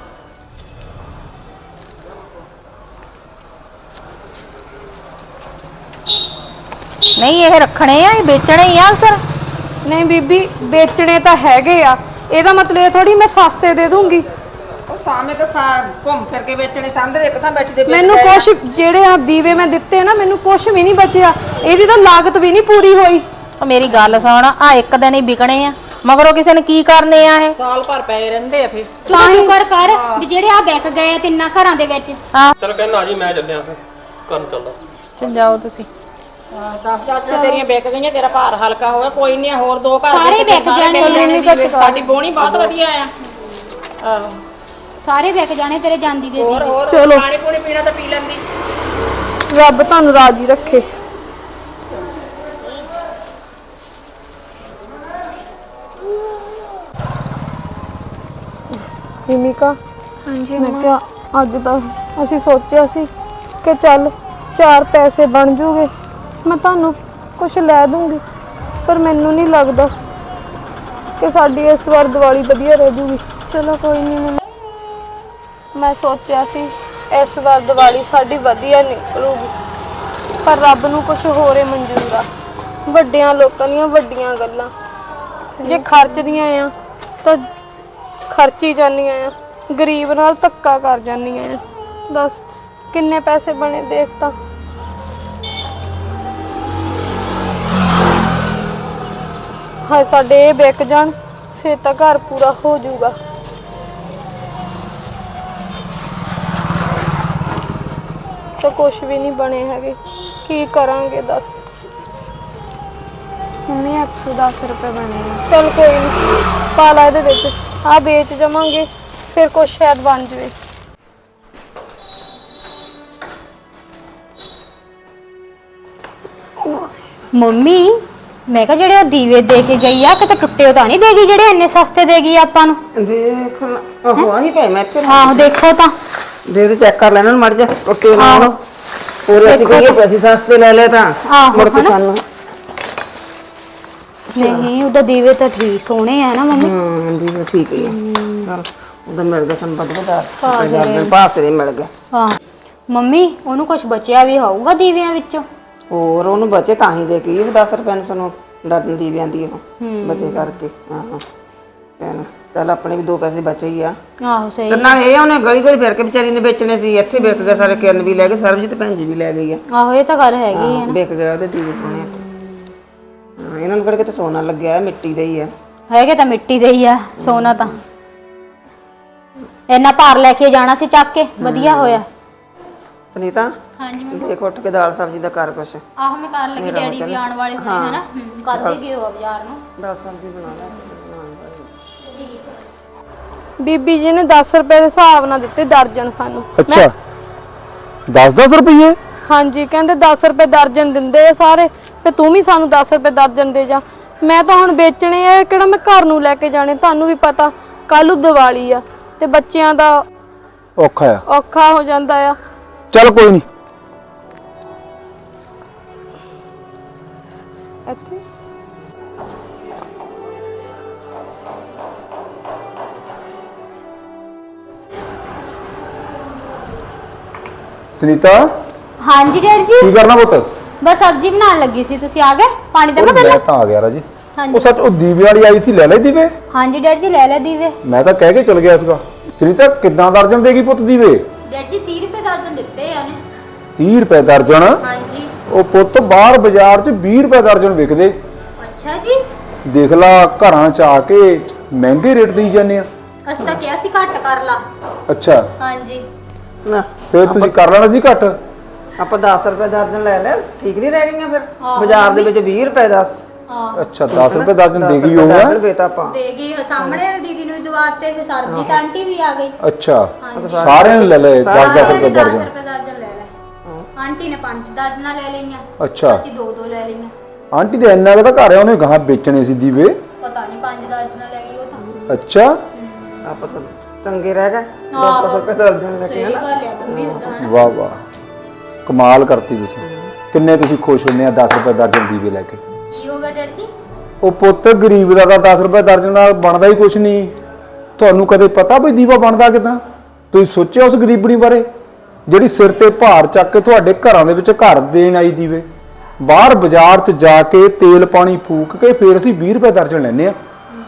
Speaker 3: ਨਹੀਂ ਇਹ ਰੱਖਣੇ ਆ, ਇਹ ਵੇਚਣੇ ਹੀ ਆ ਸਰ।
Speaker 4: ਨਹੀਂ ਬੀਬੀ, ਵੇਚਣੇ ਤਾਂ ਹੈਗੇ ਆ। ਇਹਦਾ ਮਤਲਬ ਇਹ ਥੋੜੀ ਮੈਂ ਸਸਤੇ ਦੇ ਦੂੰਗੀ।
Speaker 3: ਉਹ ਸਾਹਮਣੇ ਤਾਂ ਘੁੰਮ ਫਿਰ ਕੇ ਵੇਚਣੇ, ਸਾਹਮਣੇ ਇੱਕ ਥਾਂ ਬੈਠੀ ਦੇ
Speaker 4: ਮੈਨੂੰ ਕੁਛ ਜਿਹੜੇ ਆ ਦੀਵੇ ਮੈਂ ਦਿੱਤੇ ਨਾ, ਮੈਨੂੰ ਕੁਛ ਵੀ ਨਹੀਂ ਬਚਿਆ। ਇਹਦੀ ਤਾਂ ਲਾਗਤ ਵੀ ਨਹੀਂ ਪੂਰੀ ਹੋਈ।
Speaker 3: ਉਹ ਮੇਰੀ ਗੱਲ ਸੁਣ, ਆ ਇੱਕ ਦਿਨ ਹੀ ਵਿਕਣੇ ਆ, ਮਗਰੋਂ ਕਿਸੇ ਨੇ ਕੀ ਕਰਨੇ ਆ ਇਹ?
Speaker 5: ਸਾਲ ਭਰ ਪਏ ਰਹਿੰਦੇ ਆ ਫੇਰ।
Speaker 2: ਤੂੰ ਤਾਂ ਸ਼ੁਕਰ ਕਰ ਵੀ ਜਿਹੜੇ ਆ ਵਿਕ ਗਏ ਆ ਤਿੰਨਾਂ ਘਰਾਂ ਦੇ ਵਿੱਚ।
Speaker 6: ਚਲ ਕਹਿਣਾ ਜੀ ਮੈਂ ਚੱਲਿਆ ਫਿਰ ਕਰਨ ਚੱਲਦਾ।
Speaker 3: ਚਲ ਜਾਓ ਤੁਸੀਂ।
Speaker 5: 10 ਦਰਜਨ ਤੇਰੀਆਂ ਵਿਕ ਗਈਆਂ, ਤੇਰਾ ਭਾਰ ਹਲਕਾ ਹੋਇਆ। ਕੋਈ ਨਹੀਂ, ਹੋਰ 2 ਘਰ
Speaker 2: ਸਾਰੇ
Speaker 5: ਦੇ
Speaker 2: ਵਿਕ ਜਾਣੇ।
Speaker 5: ਸਾਡੀ ਬੋਣੀ ਬਹੁਤ ਵਧੀਆ ਆ। ਆਹੋ,
Speaker 2: ਸਾਰੇ ਵਿਕ ਜਾਣੇ ਤੇਰੇ ਜਾਂਦੀ ਦੇ
Speaker 5: ਹੋਰ ਹੋਰ
Speaker 4: ਚਲੋ।
Speaker 5: ਪਾਣੀ ਪੂਣੀ ਪੀਣਾ ਤਾਂ ਪੀ ਲੈਂਦੀ।
Speaker 4: ਰੱਬ ਤੁਹਾਨੂੰ ਰਾਜੀ ਰੱਖੇ। ਭੂਮਿਕਾ, ਹਾਂਜੀ ਮੈਂ ਕਿਹਾ ਅੱਜ ਤਾਂ ਅਸੀਂ ਸੋਚਿਆ ਸੀ ਕਿ ਚੱਲ 4 ਪੈਸੇ ਬਣ ਜੂਗੇ, ਮੈਂ ਤੁਹਾਨੂੰ ਕੁਝ ਲੈ ਦੂੰਗੀ, ਪਰ ਮੈਨੂੰ ਨਹੀਂ ਲੱਗਦਾ ਕਿ ਸਾਡੀ ਇਸ ਵਾਰ ਦੀਵਾਲੀ ਵਧੀਆ ਰਹਿ ਜੂਗੀ। ਚਲੋ ਕੋਈ ਨਹੀਂ, ਮੈਂ ਸੋਚਿਆ ਸੀ ਇਸ ਵਾਰ ਦੀਵਾਲੀ ਸਾਡੀ ਵਧੀਆ ਨਿਕਲੂਗੀ, ਪਰ ਰੱਬ ਨੂੰ ਕੁਝ ਹੋਰ ਹੀ ਮਨਜ਼ੂਰ ਆ। ਵੱਡਿਆਂ ਲੋਕਾਂ ਦੀਆਂ ਵੱਡੀਆਂ ਗੱਲਾਂ, ਜੇ ਖਰਚਦੀਆਂ ਆ ਤਾਂ ਖਰਚੀ ਜਾਂਦੀਆਂ ਆ, ਗਰੀਬ ਨਾਲ ਧੱਕਾ ਕਰ ਜਾਂਦੀਆਂ ਆ। ਦੱਸ ਕਿੰਨੇ ਪੈਸੇ ਬਣੇ ਦੇਖ ਤਾਂ। ਹਾਏ ਸਾਡੇ ਇਹ ਵਿਕ ਜਾਣ, ਫੇਰ ਤਾਂ ਘਰ ਪੂਰਾ ਹੋ ਜਾਊਗਾ। ਤਾਂ ਕੁਛ ਵੀ ਨਹੀਂ ਬਣੇ ਹੈਗੇ, ਕੀ ਕਰਾਂਗੇ ਦੱਸ।
Speaker 7: ਮੰਮੀ 110 ਰੁਪਏ ਬਣੇ ਆ।
Speaker 4: ਚਲ ਕੋਈ ਨਹੀਂ, ਪਾ ਲਾ ਇਹਦੇ ਵਿੱਚ, ਆ ਵੇਚ ਜਾਵਾਂਗੇ, ਫਿਰ ਕੁਛ ਸ਼ਾਇਦ ਬਣ ਜਾਵੇ।
Speaker 2: ਮੰਮੀ ਮੈਂ ਕਿਹਾ ਜਿਹੜੇ ਉਹ ਦੀਵੇ ਦੇ ਕੇ ਗਈ ਆ, ਕਿਤੇ ਟੁੱਟੇ ਤਾਂ ਨਹੀਂ ਦੇ ਗਈ ਜਿਹੜੇ ਇੰਨੇ ਸਸਤੇ ਦੇ ਗਈ ਆਪਾਂ ਨੂੰ?
Speaker 3: ਦੇਖ ਉਹ ਆਹੀ ਪਏ ਮੈਂ ਤੇ
Speaker 2: ਆਹੋ ਦੇਖੋ ਤਾਂ।
Speaker 3: ਦੇ ਚੈੱਕ ਕਰ ਲੈਣਾ ਮੜ ਜਾ ਟੁੱਟੇ ਨਾ।
Speaker 2: ਆਹੋ
Speaker 3: ਹੋਰ ਅਸੀਂ ਕਹੀਏ ਪੈਸੇ ਸਸਤੇ ਲੈ ਲੈ ਤਾਂ
Speaker 2: ਆਹੋ,
Speaker 3: ਮੁੜ ਕੇ
Speaker 2: ਹਨਾ?
Speaker 3: ਸਾਨੂੰ
Speaker 2: ਨਹੀਂ ਉਹਦਾ ਦੀਵੇ ਤਾਂ ਠੀਕ ਸੋਹਣੇ ਆ ਨਾ ਮੰਮੀ।
Speaker 3: ਦੀਵੇ ਠੀਕ ਹੀ ਆ। ਚਲ ਉਹਦਾ ਮਿਲ ਗਿਆ ਸਾਨੂੰ ਬਦਬਦਾਰ ਭਾਅ ਮਿਲ ਗਿਆ।
Speaker 2: ਹਾਂ ਮੰਮੀ ਉਹਨੂੰ ਕੁਝ ਬਚਿਆ ਵੀ ਹੋਊਗਾ ਦੀਵਿਆਂ ਵਿੱਚੋਂ।
Speaker 3: ਹੋਰ ਉਹਨੂੰ ਬਚੇ ਤਾਂ ਹੀ ਦੇ ਕੇ 10 ਰੁਪਏ ਨੂੰ ਸਾਨੂੰ ਦਰਜਨ ਦੀਵਿਆਂ ਦੀ ਉਹ ਬਚੇ ਕਰਕੇ। ਹਾਂ ਚੱਲ ਆਪਣੇ ਵੀ 2 ਪੈਸੇ ਬਚੇ ਹੀ ਆ।
Speaker 2: ਆਹੋ ਸਹੀ।
Speaker 3: ਤੇ ਨਾਲ ਇਹ ਉਹਨੇ ਗਲੀ ਗਲੀ ਫਿਰ ਕੇ ਵਿਚਾਰੀ ਨੇ ਵੇਚਣੇ ਸੀ, ਇੱਥੇ ਵਿਕ ਗਏ ਸਾਰੇ, ਕਿਰਨ ਵੀ ਲੈ ਗਏ, ਸਰਬਜੀਤ ਭੈਣ ਜੀ ਵੀ ਲੈ ਗਈ ਆ।
Speaker 2: ਆਹੋ ਇਹ ਤਾਂ ਗੱਲ ਹੈਗੀ ਹੈ ਨਾ।
Speaker 3: ਵਿਕ ਗਿਆ ਉਹਦੇ ਦੀਵੇ ਸੋਹਣੇ। ਇਹਨਾਂ ਨੂੰ ਕਿਹੜਾ ਸੋਨਾ ਲੱਗਿਆ, ਮਿੱਟੀ ਦਾ ਹੀ ਆ।
Speaker 2: ਹੈਗੇ ਤਾਂ ਮਿੱਟੀ ਦੇ ਹੀ ਆ, ਸੋਨਾ ਤਾਂ ਇੰਨਾ ਭਾਰ ਲੈ ਕੇ ਜਾਣਾ ਸੀ ਚੱਕ ਕੇ, ਵਧੀਆ ਹੋਇਆ।
Speaker 3: ਸੁਨੀਤਾ
Speaker 2: ਹਾਂਜੀ
Speaker 3: ਦੇਖ ਉੱਠ ਕੇ ਦਾਲ ਸਬਜ਼ੀ ਦਾ ਕਰ ਕੁਛ।
Speaker 2: ਆਹੋ ਮੈਂ ਕਰਨ ਲੱਗੀ, ਡੈਡੀ ਵੀ ਆਉਣ ਵਾਲੇ ਹੋਣੇ ਹਨਾ, ਕੱਲ ਗਏ ਹੋ ਬਾਜ਼ਾਰ ਨੂੰ।
Speaker 3: ਦਾਲ ਸਬਜ਼ੀ ਬਣਾ ਲੈ।
Speaker 4: ਬੀਬੀ ਜੀ ਨੇ 10 ਰੁਪਏ ਦੇ ਹਿਸਾਬ ਨਾਲ ਦਿੱਤੇ ਦਰਜਨ ਸਾਨੂੰ।
Speaker 1: ਅੱਛਾ 10-10 ਰੁਪਏ?
Speaker 4: ਹਾਂਜੀ ਕਹਿੰਦੇ 10 ਰੁਪਏ ਦਰਜਨ ਦਿੰਦੇ ਆ ਸਾਰੇ, ਤੇ ਤੂੰ ਵੀ ਸਾਨੂੰ 10 ਰੁਪਏ ਦਰਜਨ ਦੇ ਜਾ। ਮੈਂ ਤਾਂ ਹੁਣ ਵੇਚਣੇ ਆ, ਕਿਹੜਾ ਮੈਂ ਘਰ ਨੂੰ ਲੈ ਕੇ ਜਾਣੇ। ਤੁਹਾਨੂੰ ਵੀ ਪਤਾ ਕੱਲ ਨੂੰ ਦੀਵਾਲੀ ਆ ਤੇ ਬੱਚਿਆਂ ਦਾ ਔਖਾ ਹੋ ਜਾਂਦਾ ਆ।
Speaker 1: ਚੱਲ ਕੋਈ ਨਹੀਂ।
Speaker 4: ਇੱਥੇ
Speaker 1: ਸੁਨੀਤਾ
Speaker 2: ਹਾਂਜੀ ਡੈਡੀ ਜੀ,
Speaker 1: ਕੀ ਕਰਨਾ ਪੁੱਤ?
Speaker 2: ਬਸ ਸਬਜ਼ੀ ਬਣਾਉਣ ਲੱਗੀ ਸੀ। ਤੁਸੀਂ ਆ ਗਏ? ਪਾਣੀ ਦੇਵਾਂ ਪਹਿਲਾਂ?
Speaker 1: ਮੈਂ ਤਾਂ ਆ ਗਿਆ ਰਾਜੀ।
Speaker 2: ਹਾਂਜੀ।
Speaker 1: ਉਹ ਸੱਚ ਉਹ ਦੀਵੇ ਵਾਲੀ ਆਈ ਸੀ, ਲੈ ਲੈ ਦੀਵੇ?
Speaker 2: ਹਾਂਜੀ ਡੈਡੀ ਜੀ ਲੈ ਲੈ ਦੀਵੇ।
Speaker 1: ਮੈਂ ਤਾਂ ਕਹਿ ਕੇ ਚਲ ਗਿਆ ਸੀਗਾ। ਸੁਨੀਤਾ ਕਿੱਦਾਂ ਦਰਜਨ ਦੇਗੀ ਪੁੱਤ ਦੀਵੇ?
Speaker 2: ਡੈਡੀ ਜੀ 30 ਰੁਪਏ ਦਰਜਨ ਦਿੱਤੇ ਆ ਨੇ।
Speaker 1: 30 ਰੁਪਏ ਦਰਜਨ?
Speaker 2: ਹਾਂਜੀ।
Speaker 1: ਉਹ ਪੁੱਤ ਬਾਹਰ ਬਾਜ਼ਾਰ 'ਚ 20 ਰੁਪਏ ਦਰਜਨ ਵਿਕਦੇ।
Speaker 2: ਅੱਛਾ ਜੀ।
Speaker 1: ਦੇਖ ਲਾ ਘਰਾਂ 'ਚ ਆ ਕੇ ਮਹਿੰਗੇ ਰੇਟ ਦੇਈ ਜਾਂਦੇ ਆ।
Speaker 2: ਅਸੀਂ ਤਾਂ ਕਿਹਾ ਸੀ ਘੱਟ ਕਰ ਲਾ।
Speaker 1: ਅੱਛਾ
Speaker 2: ਹਾਂਜੀ।
Speaker 3: ਨਾ
Speaker 1: ਫਿਰ ਤੁਸੀਂ ਕਰ ਲੈਣਾ ਸੀ ਘੱਟ।
Speaker 3: ਆਪਾਂ 10 ਰੁਪਏ ਦਰਜਨ ਲੈ ਲੈ, ਠੀਕ ਨਹੀਂ ਰਹਿ ਗਈਆਂ ਫਿਰ? ਬਾਜ਼ਾਰ ਦੇ ਵਿੱਚ 20 ਰੁਪਏ 10।
Speaker 1: ਅੱਛਾ 10 ਰੁਪਏ ਦਰਜਨ ਦੇਗੀ ਹੋਊਗਾ।
Speaker 2: ਦੇ ਗਈ ਸਾਹਮਣੇ ਦੀਦੀ ਨੂੰ ਦਵਾਤੇ, ਫਿਰ ਸਰਬਜੀਤ ਆਂਟੀ ਵੀ ਆ ਗਈ।
Speaker 1: ਅੱਛਾ ਸਾਰਿਆਂ ਨੇ ਲੈ ਲਏ 10-10 ਰੁਪਏ
Speaker 2: 10
Speaker 1: ਦਰਜਨ।
Speaker 2: ਰੁਪਏ ਦਰਜਨ ਲੈ ਲੈ। ਆਂਟੀ ਨੇ 5 ਦਰਜਨਾਂ ਲੈ ਲਈਆਂ,
Speaker 1: ਅੱਛਾ
Speaker 2: ਅਸੀਂ 2-2 ਲੈ ਲਈਆਂ।
Speaker 1: ਆਂਟੀ ਦੇ ਇੰਨਾ ਕੁ ਤਾਂ ਘਰ ਆ, ਉਹਨੇ ਗਾਹ ਵੇਚਣੇ ਸੀ ਦੀਵੇ।
Speaker 2: ਪਤਾ ਨਹੀਂ 5 ਦਰਜਨਾਂ ਲੈ ਗਈ ਉਹ ਤਾਂ।
Speaker 1: ਅੱਛਾ
Speaker 3: ਆਪਾਂ ਤਾਂ ਚੰਗੇ ਰਹਿ ਗਏ 10 ਰੁਪਏ ਦਰਜਨ ਲੈ ਕੇ।
Speaker 2: ਸਹੀ ਗੱਲ ਆ ਮੰਮੀ ਉਦਾਂ।
Speaker 1: ਵਾਹ ਵਾਹ ਕਮਾਲ ਕਰਤੀ ਤੁਸੀਂ। ਕਿੰਨੇ ਤੁਸੀਂ ਖੁਸ਼ ਹੁੰਦੇ ਆ 10 ਰੁਪਏ ਦਰਜਨ ਦੀਵੇ ਲੈ ਕੇ?
Speaker 2: ਕੀ ਹੋ ਗਿਆ ਡੈਡੀ ਜੀ?
Speaker 1: ਉਹ ਪੁੱਤ ਗਰੀਬ ਦਾ ਤਾਂ 10 ਰੁਪਏ ਦਰਜਨ ਨਾਲ ਬਣਦਾ ਹੀ ਕੁਛ ਨਹੀਂ। ਤੁਹਾਨੂੰ ਕਦੇ ਪਤਾ ਵੀ ਦੀਵਾ ਬਣਦਾ ਕਿਦਾਂ? ਤੁਸੀਂ ਸੋਚਿਆ ਉਸ ਗਰੀਬਣੀ ਬਾਰੇ ਜਿਹੜੀ ਸਿਰ ਤੇ ਭਾਰ ਚੱਕ ਕੇ ਤੁਹਾਡੇ ਘਰਾਂ ਦੇ ਵਿੱਚ ਘਰ ਦੇਣ ਆਈ ਦੀਵੇ? ਬਾਹਰ ਬਾਜ਼ਾਰ 'ਚ ਜਾ ਕੇ ਤੇਲ ਪਾਣੀ ਫੂਕ ਕੇ ਫਿਰ ਅਸੀਂ 20 ਰੁਪਏ ਦਰਜਨ ਲੈਂਦੇ ਆ।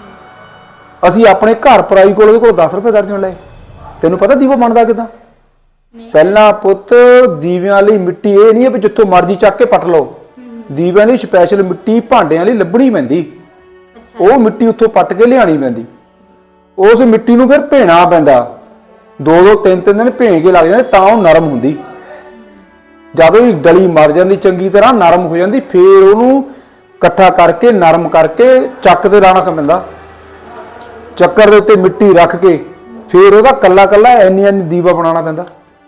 Speaker 1: ਅਸੀਂ ਆਪਣੇ ਘਰ ਪਰਾਈ ਕੋਲ ਉਹਦੇ ਕੋਲ 10 ਰੁਪਏ ਦਰਜਨ ਲਏ। ਤੈਨੂੰ ਪਤਾ ਦੀਵਾ ਬਣਦਾ ਕਿਦਾਂ? ਪਹਿਲਾਂ ਪੁੱਤ ਦੀਵਿਆਂ ਲਈ ਮਿੱਟੀ ਇਹ ਨਹੀਂ ਹੈ ਵੀ ਜਿੱਥੋਂ ਮਰਜ਼ੀ ਚੱਕ ਕੇ ਪੱਟ ਲਓ। ਦੀਵਿਆਂ ਲਈ ਸਪੈਸ਼ਲ ਮਿੱਟੀ ਭਾਂਡਿਆਂ ਲਈ ਲੱਭਣੀ ਪੈਂਦੀ। ਉਹ ਮਿੱਟੀ ਉੱਥੋਂ ਪੱਟ ਕੇ ਲਿਆਣੀ ਪੈਂਦੀ। ਉਸ ਮਿੱਟੀ ਨੂੰ ਫਿਰ ਭੇਣਾ ਪੈਂਦਾ। 2-2 3-3 ਦਿਨ ਭੇਣ ਕੇ ਲੱਗ ਜਾਂਦੇ ਤਾਂ ਉਹ ਨਰਮ ਹੁੰਦੀ। ਜਦੋਂ ਹੀ ਡਲੀ ਮਰ ਜਾਂਦੀ ਚੰਗੀ ਤਰ੍ਹਾਂ ਨਰਮ ਹੋ ਜਾਂਦੀ, ਫਿਰ ਉਹਨੂੰ ਇਕੱਠਾ ਕਰਕੇ ਨਰਮ ਕਰਕੇ ਚੱਕ ਤੇ ਲਾਣਾ ਪੈਂਦਾ। ਚੱਕਰ ਦੇ ਉੱਤੇ ਮਿੱਟੀ ਰੱਖ ਕੇ ਫਿਰ ਉਹਦਾ ਕੱਲਾ ਕੱਲਾ ਇੰਨੀ ਦੀਵਾ ਬਣਾਉਣਾ ਪੈਂਦਾ।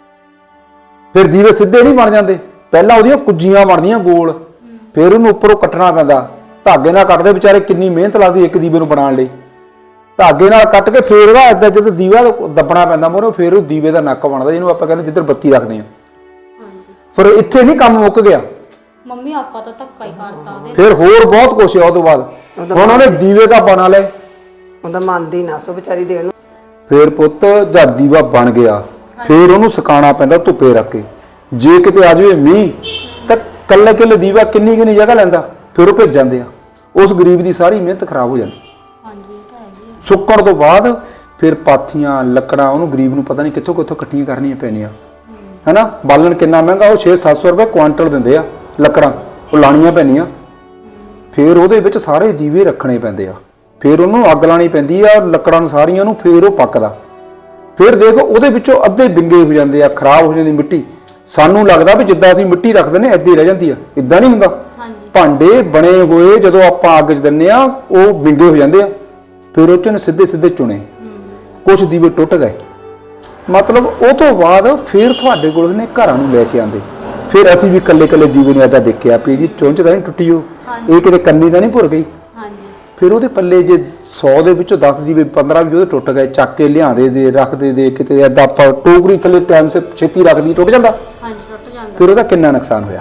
Speaker 1: ਫਿਰ ਦੀਵੇ ਸਿੱਧੇ ਨਹੀਂ ਬਣ ਜਾਂਦੇ, ਪਹਿਲਾਂ ਉਹਦੀਆਂ ਕੁੱਜੀਆਂ ਬਣਦੀਆਂ ਗੋਲ, ਫਿਰ ਉਹਨੂੰ ਉੱਪਰੋਂ ਕੱਟਣਾ ਪੈਂਦਾ। ਧਾਗੇ ਨਾਲ ਕੱਟਦੇ ਵਿਚਾਰੇ, ਕਿੰਨੀ ਮਿਹਨਤ ਲੱਗਦੀ ਇੱਕ ਦੀਵੇ ਨੂੰ ਬਣਾਉਣ ਲਈ। ਧਾਗੇ ਨਾਲ ਕੱਟ ਕੇ ਫਿਰ ਉਹਦਾ ਏਦਾਂ ਜਦੋਂ ਦੀਵਾ ਦੱਬਣਾ ਪੈਂਦਾ ਮੋਰੇ, ਫਿਰ ਉਹ ਦੀਵੇ ਦਾ ਨੱਕ ਬਣਦਾ, ਜਿਹਨੂੰ ਆਪਾਂ ਕਹਿੰਦੇ ਜਿੱਧਰ ਬੱਤੀ ਰੱਖਦੇ ਆ। ਫਿਰ ਇੱਥੇ ਨਹੀਂ ਕੰਮ ਮੁੱਕ ਗਿਆ,
Speaker 2: ਮੰਮੀ ਆਪਾਂ ਤਾਂ ਧੱਕਾ ਹੀ ਕਰਤਾ ਉਹਦੇ।
Speaker 1: ਫਿਰ ਹੋਰ ਬਹੁਤ ਕੁਛ ਆ। ਉਹ ਤੋਂ ਬਾਅਦ ਹੁਣ ਉਹਨੇ ਦੀਵੇ ਤਾਂ ਬਣਾ ਲਏ,
Speaker 3: ਉਹਦਾ ਮੰਨਦੀ ਨਾ ਸੋ ਵਿਚਾਰੀ ਦੇਣ ਨੂੰ।
Speaker 1: ਫਿਰ ਪੁੱਤ ਜਦ ਦੀਵਾ ਬਣ ਗਿਆ ਫਿਰ ਉਹਨੂੰ ਸੁਕਾਉਣਾ ਪੈਂਦਾ ਧੁੱਪੇ ਰੱਖ ਕੇ। ਜੇ ਕਿਤੇ ਆ ਜਾਵੇ ਮੀਂਹ ਤਾਂ ਕੱਲੇ ਕੱਲੇ ਦੀਵਾ ਕਿੰਨੀ ਕਿੰਨੀ ਜਗ੍ਹਾ ਲੈਂਦਾ, ਫਿਰ ਉਹ ਭਿੱਜ ਜਾਂਦੇ ਆ। ਉਸ ਗਰੀਬ ਦੀ ਸਾਰੀ ਮਿਹਨਤ ਖਰਾਬ ਹੋ ਜਾਂਦੀ। ਸੁੱਕਣ ਤੋਂ ਬਾਅਦ ਫਿਰ ਪਾਥੀਆਂ ਲੱਕੜਾਂ ਉਹਨੂੰ ਗਰੀਬ ਨੂੰ ਪਤਾ ਨਹੀਂ ਕਿੱਥੋਂ ਕਿੱਥੋਂ ਇਕੱਠੀਆਂ ਕਰਨੀਆਂ ਪੈਣੀਆਂ, ਹੈਨਾ। ਬਾਲਣ ਕਿੰਨਾ ਮਹਿੰਗਾ, ਉਹ 600-700 ਰੁਪਏ ਕੁਆਂਟਲ ਦਿੰਦੇ ਆ ਲੱਕੜਾਂ, ਉਹ ਲਾਣੀਆਂ ਪੈਣੀਆਂ। ਫਿਰ ਉਹਦੇ ਵਿੱਚ ਸਾਰੇ ਦੀਵੇ ਰੱਖਣੇ ਪੈਂਦੇ ਆ, ਫਿਰ ਉਹਨੂੰ ਅੱਗ ਲਾਣੀ ਪੈਂਦੀ ਆ ਲੱਕੜਾਂ ਨੂੰ ਸਾਰੀਆਂ ਨੂੰ, ਫਿਰ ਉਹ ਪੱਕਦਾ। ਫਿਰ ਦੇਖੋ ਉਹਦੇ ਵਿੱਚੋਂ ਅੱਧੇ ਵਿੰਗੇ ਹੋ ਜਾਂਦੇ ਆ, ਖਰਾਬ ਹੋ ਜਾਂਦੀ ਮਿੱਟੀ। ਸਾਨੂੰ ਲੱਗਦਾ ਵੀ ਜਿੱਦਾਂ ਅਸੀਂ ਮਿੱਟੀ ਰੱਖਦੇ ਨੇ ਏਦਾਂ ਹੀ ਰਹਿ ਜਾਂਦੀ ਆ, ਇਦਾਂ ਨਹੀਂ ਹੁੰਦਾ। ਭਾਂਡੇ ਬਣੇ ਹੋਏ ਜਦੋਂ ਆਪਾਂ ਅੱਗ 'ਚ ਦਿੰਦੇ ਆ ਉਹ ਵਿੰਗੇ ਹੋ ਜਾਂਦੇ ਆ, ਫਿਰ ਉਹ 'ਚ ਸਿੱਧੇ ਸਿੱਧੇ ਚੁਣੇ, ਕੁਝ ਦੀਵੇ ਟੁੱਟ ਗਏ। ਮਤਲਬ ਉਹ ਤੋਂ ਬਾਅਦ ਫਿਰ ਤੁਹਾਡੇ ਕੋਲ ਨੇ ਘਰਾਂ ਨੂੰ ਲੈ ਕੇ ਆਉਂਦੇ। ਫਿਰ ਅਸੀਂ ਵੀ ਕੱਲੇ ਕੱਲੇ ਦੀਵੇ ਨੂੰ ਏਦਾਂ ਦੇਖਿਆ ਵੀ ਇਹਦੀ ਚੁੰਝ ਤਾਂ ਨਹੀਂ ਟੁੱਟੀ, ਇਹ ਕਿਤੇ ਕੰਨੀ ਤਾਂ ਨਹੀਂ ਭੁਰ ਗਈ। ਫਿਰ ਉਹਦੇ ਪੱਲੇ ਜੇ 100 ਦੇ ਵਿੱਚੋਂ 10 ਦੀਵੇ 15 ਵੀ ਉਹਦੇ ਟੁੱਟ ਗਏ, ਚੱਕ ਕੇ ਲਿਆਂਦੇ ਦੇ ਰੱਖਦੇ ਦੇ ਕਿਤੇ ਏਦਾਂ ਆਪਾਂ ਟੋਕਰੀ ਥੱਲੇ ਟਾਈਮ ਸੇ ਛੇਤੀ ਰੱਖਦੀ ਟੁੱਟ ਜਾਂਦਾ। ਫਿਰ ਉਹਦਾ ਕਿੰਨਾ ਨੁਕਸਾਨ ਹੋਇਆ।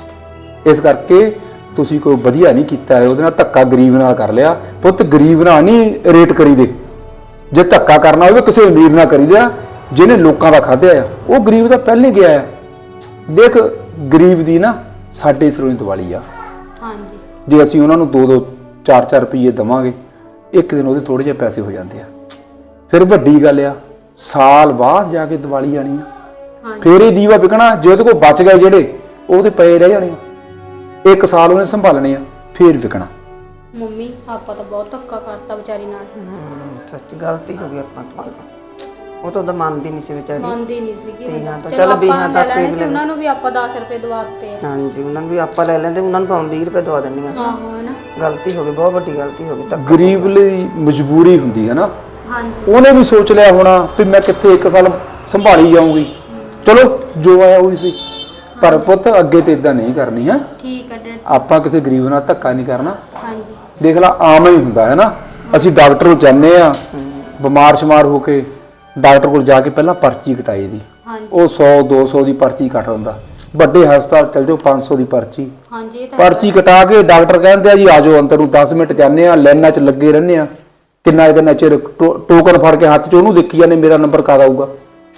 Speaker 1: ਇਸ ਕਰਕੇ ਤੁਸੀਂ ਕੋਈ ਵਧੀਆ ਨਹੀਂ ਕੀਤਾ ਹੈ, ਉਹਦੇ ਨਾਲ ਧੱਕਾ ਗਰੀਬ ਨਾਲ ਕਰ ਲਿਆ। ਪੁੱਤ ਗਰੀਬ ਨਾਲ ਨਹੀਂ ਰੇਟ ਕਰੀਦੇ, ਜੇ ਧੱਕਾ ਕਰਨਾ ਹੋਵੇ ਕਿਸੇ ਅਮੀਰ ਨਾਲ ਕਰੀਦਾ ਜਿਹਨੇ ਲੋਕਾਂ ਦਾ ਖਾਧਿਆ ਆ, ਉਹ ਗਰੀਬ ਦਾ ਪਹਿਲੇ ਗਿਆ ਆ। ਦੇਖ ਗਰੀਬ ਦੀ ਨਾ ਸਾਡੇ ਸਿਰੋਂ ਹੀ ਦੀਵਾਲੀ ਆ।
Speaker 2: ਹਾਂਜੀ
Speaker 1: ਜੇ ਅਸੀਂ ਉਹਨਾਂ ਨੂੰ 2-2 4-4 ਰੁਪਏ ਦੇਵਾਂਗੇ, ਇੱਕ ਦਿਨ ਉਹਦੇ ਥੋੜੇ ਜਿਹੇ ਪੈਸੇ ਹੋ ਜਾਂਦੇ ਆ। ਫਿਰ ਵੱਡੀ ਗੱਲ ਆ ਸਾਲ ਬਾਅਦ ਜਾ ਕੇ ਦੀਵਾਲੀ ਆਣੀ ਆ, ਫਿਰ ਇਹ ਦੀਵਾ ਵਿਕਣਾ। ਜੇ ਉਹਦੇ ਕੋਲ ਬਚ ਗਏ ਜਿਹੜੇ, ਉਹਦੇ ਪਏ ਰਹਿ ਜਾਣੇ ਆ, 1 ਸਾਲ ਉਹਨੇ ਸੰਭਾਲਣੇ ਆ, ਫਿਰ ਵਿਕਣਾ।
Speaker 2: ਮੰਮੀ ਆਪਾਂ ਤਾਂ ਬਹੁਤ ਧੱਕਾ ਕਰਤਾ ਵਿਚਾਰੀ ਨਾਲ।
Speaker 3: ਸੱਚ ਗਲਤੀ ਹੋ ਗਈ ਆਪਾਂ ਤੋਂ। ਉਹ ਤਾਂ ਉਹਦਾ ਮੰਨਦੀ ਨਹੀਂ ਸੀ ਵਿਚਾਰੀ।
Speaker 2: ਮੰਨਦੀ ਨਹੀਂ ਸੀਗੀ।
Speaker 3: ਤੀਆਂ ਤੋਂ
Speaker 2: ਚਲੋ
Speaker 3: ਚੱਲ
Speaker 2: ਆਪਾਂ
Speaker 3: ਵੀਹਾਂ
Speaker 2: ਲੈ
Speaker 3: ਤੱਕ
Speaker 2: ਲੈਣੇ
Speaker 3: ਭੇਜ
Speaker 2: ਸੀ, ਉਹਨਾਂ ਨੂੰ ਵੀ ਆਪਾਂ 10 ਰੁਪਏ ਦਵਾ ਦਿੱਤੇ ਆ।
Speaker 3: ਹਾਂਜੀ, ਉਹਨਾਂ ਨੂੰ ਵੀ ਆਪਾਂ ਲੈ ਲੈਂਦੇ, ਉਹਨਾਂ ਨੂੰ ਭਾਵੇਂ 20 ਰੁਪਏ ਦਵਾ ਦਿੰਦੀਆਂ।
Speaker 2: ਆਹੋ ਹੈ ਨਾ।
Speaker 3: ਗਲਤੀ ਹੋ ਗਈ, ਬਹੁਤ ਵੱਡੀ ਗਲਤੀ ਹੋ ਗਈ। ਧੱਕਾ
Speaker 1: ਗਰੀਬ ਲਈ ਮਜਬੂਰੀ ਹੁੰਦੀ ਹੈ ਨਾ।
Speaker 2: ਹਾਂਜੀ
Speaker 1: ਉਹਨੇ ਵੀ ਸੋਚ ਲਿਆ ਹੋਣਾ ਵੀ ਮੈਂ ਕਿੱਥੇ 1 ਸਾਲ ਸੰਭਾਲੀ ਜਾਊਂਗੀ, ਚਲੋ ਜੋ ਆਇਆ ਉਹੀ ਸੀ। ਪਰ ਪੁੱਤ ਅੱਗੇ ਤੇ ਇਦਾਂ ਨਹੀਂ ਕਰਨੀ ਹੈ।
Speaker 2: ਠੀਕ ਹੈ ਡੈਡ।
Speaker 1: ਆਪਾਂ ਕਿਸੇ ਗਰੀਬ ਨਾਲ ਧੱਕਾ ਨਹੀਂ ਕਰਨਾ।
Speaker 2: ਹਾਂਜੀ
Speaker 1: ਦੇਖ ਲਾ ਆਮ ਹੀ ਹੁੰਦਾ ਹੈ ਨਾ। ਅਸੀਂ ਡਾਕਟਰ ਕੋਲ ਜਾਂਦੇ ਆ, ਬਿਮਾਰ ਸ਼ਮਾਰ ਹੋ ਕੇ ਡਾਕਟਰ ਕੋਲ ਜਾ ਕੇ ਪਹਿਲਾਂ ਪਰਚੀ ਕਟਾਈ ਦੀ,
Speaker 2: ਹਾਂਜੀ
Speaker 1: ਉਹ 100-200 ਦੀ ਪਰਚੀ ਕੱਟ ਦਿੰਦਾ। ਵੱਡੇ ਹਸਪਤਾਲ ਚਲ ਜਾਓ 500 ਦੀ ਪਰਚੀ।
Speaker 2: ਹਾਂਜੀ ਇਹ ਤਾਂ
Speaker 1: ਪਰਚੀ ਕਟਾ ਕੇ ਡਾਕਟਰ ਕਹਿੰਦੇ ਆ ਜੀ ਆ ਜਾਓ ਅੰਦਰ ਨੂੰ, 10 ਮਿੰਟ ਜਾਂਦੇ ਆ, ਲਾਈਨਾਂ 'ਚ ਲੱਗੇ ਰਹਿੰਦੇ ਆ, ਕਿੰਨਾ ਚਿਰ ਟੋਕਨ ਫੜ ਕੇ ਹੱਥ 'ਚ ਉਹਨੂੰ ਦੇਖੀ ਜਾਂਦੇ ਮੇਰਾ ਨੰਬਰ ਕਦ ਆਊਗਾ,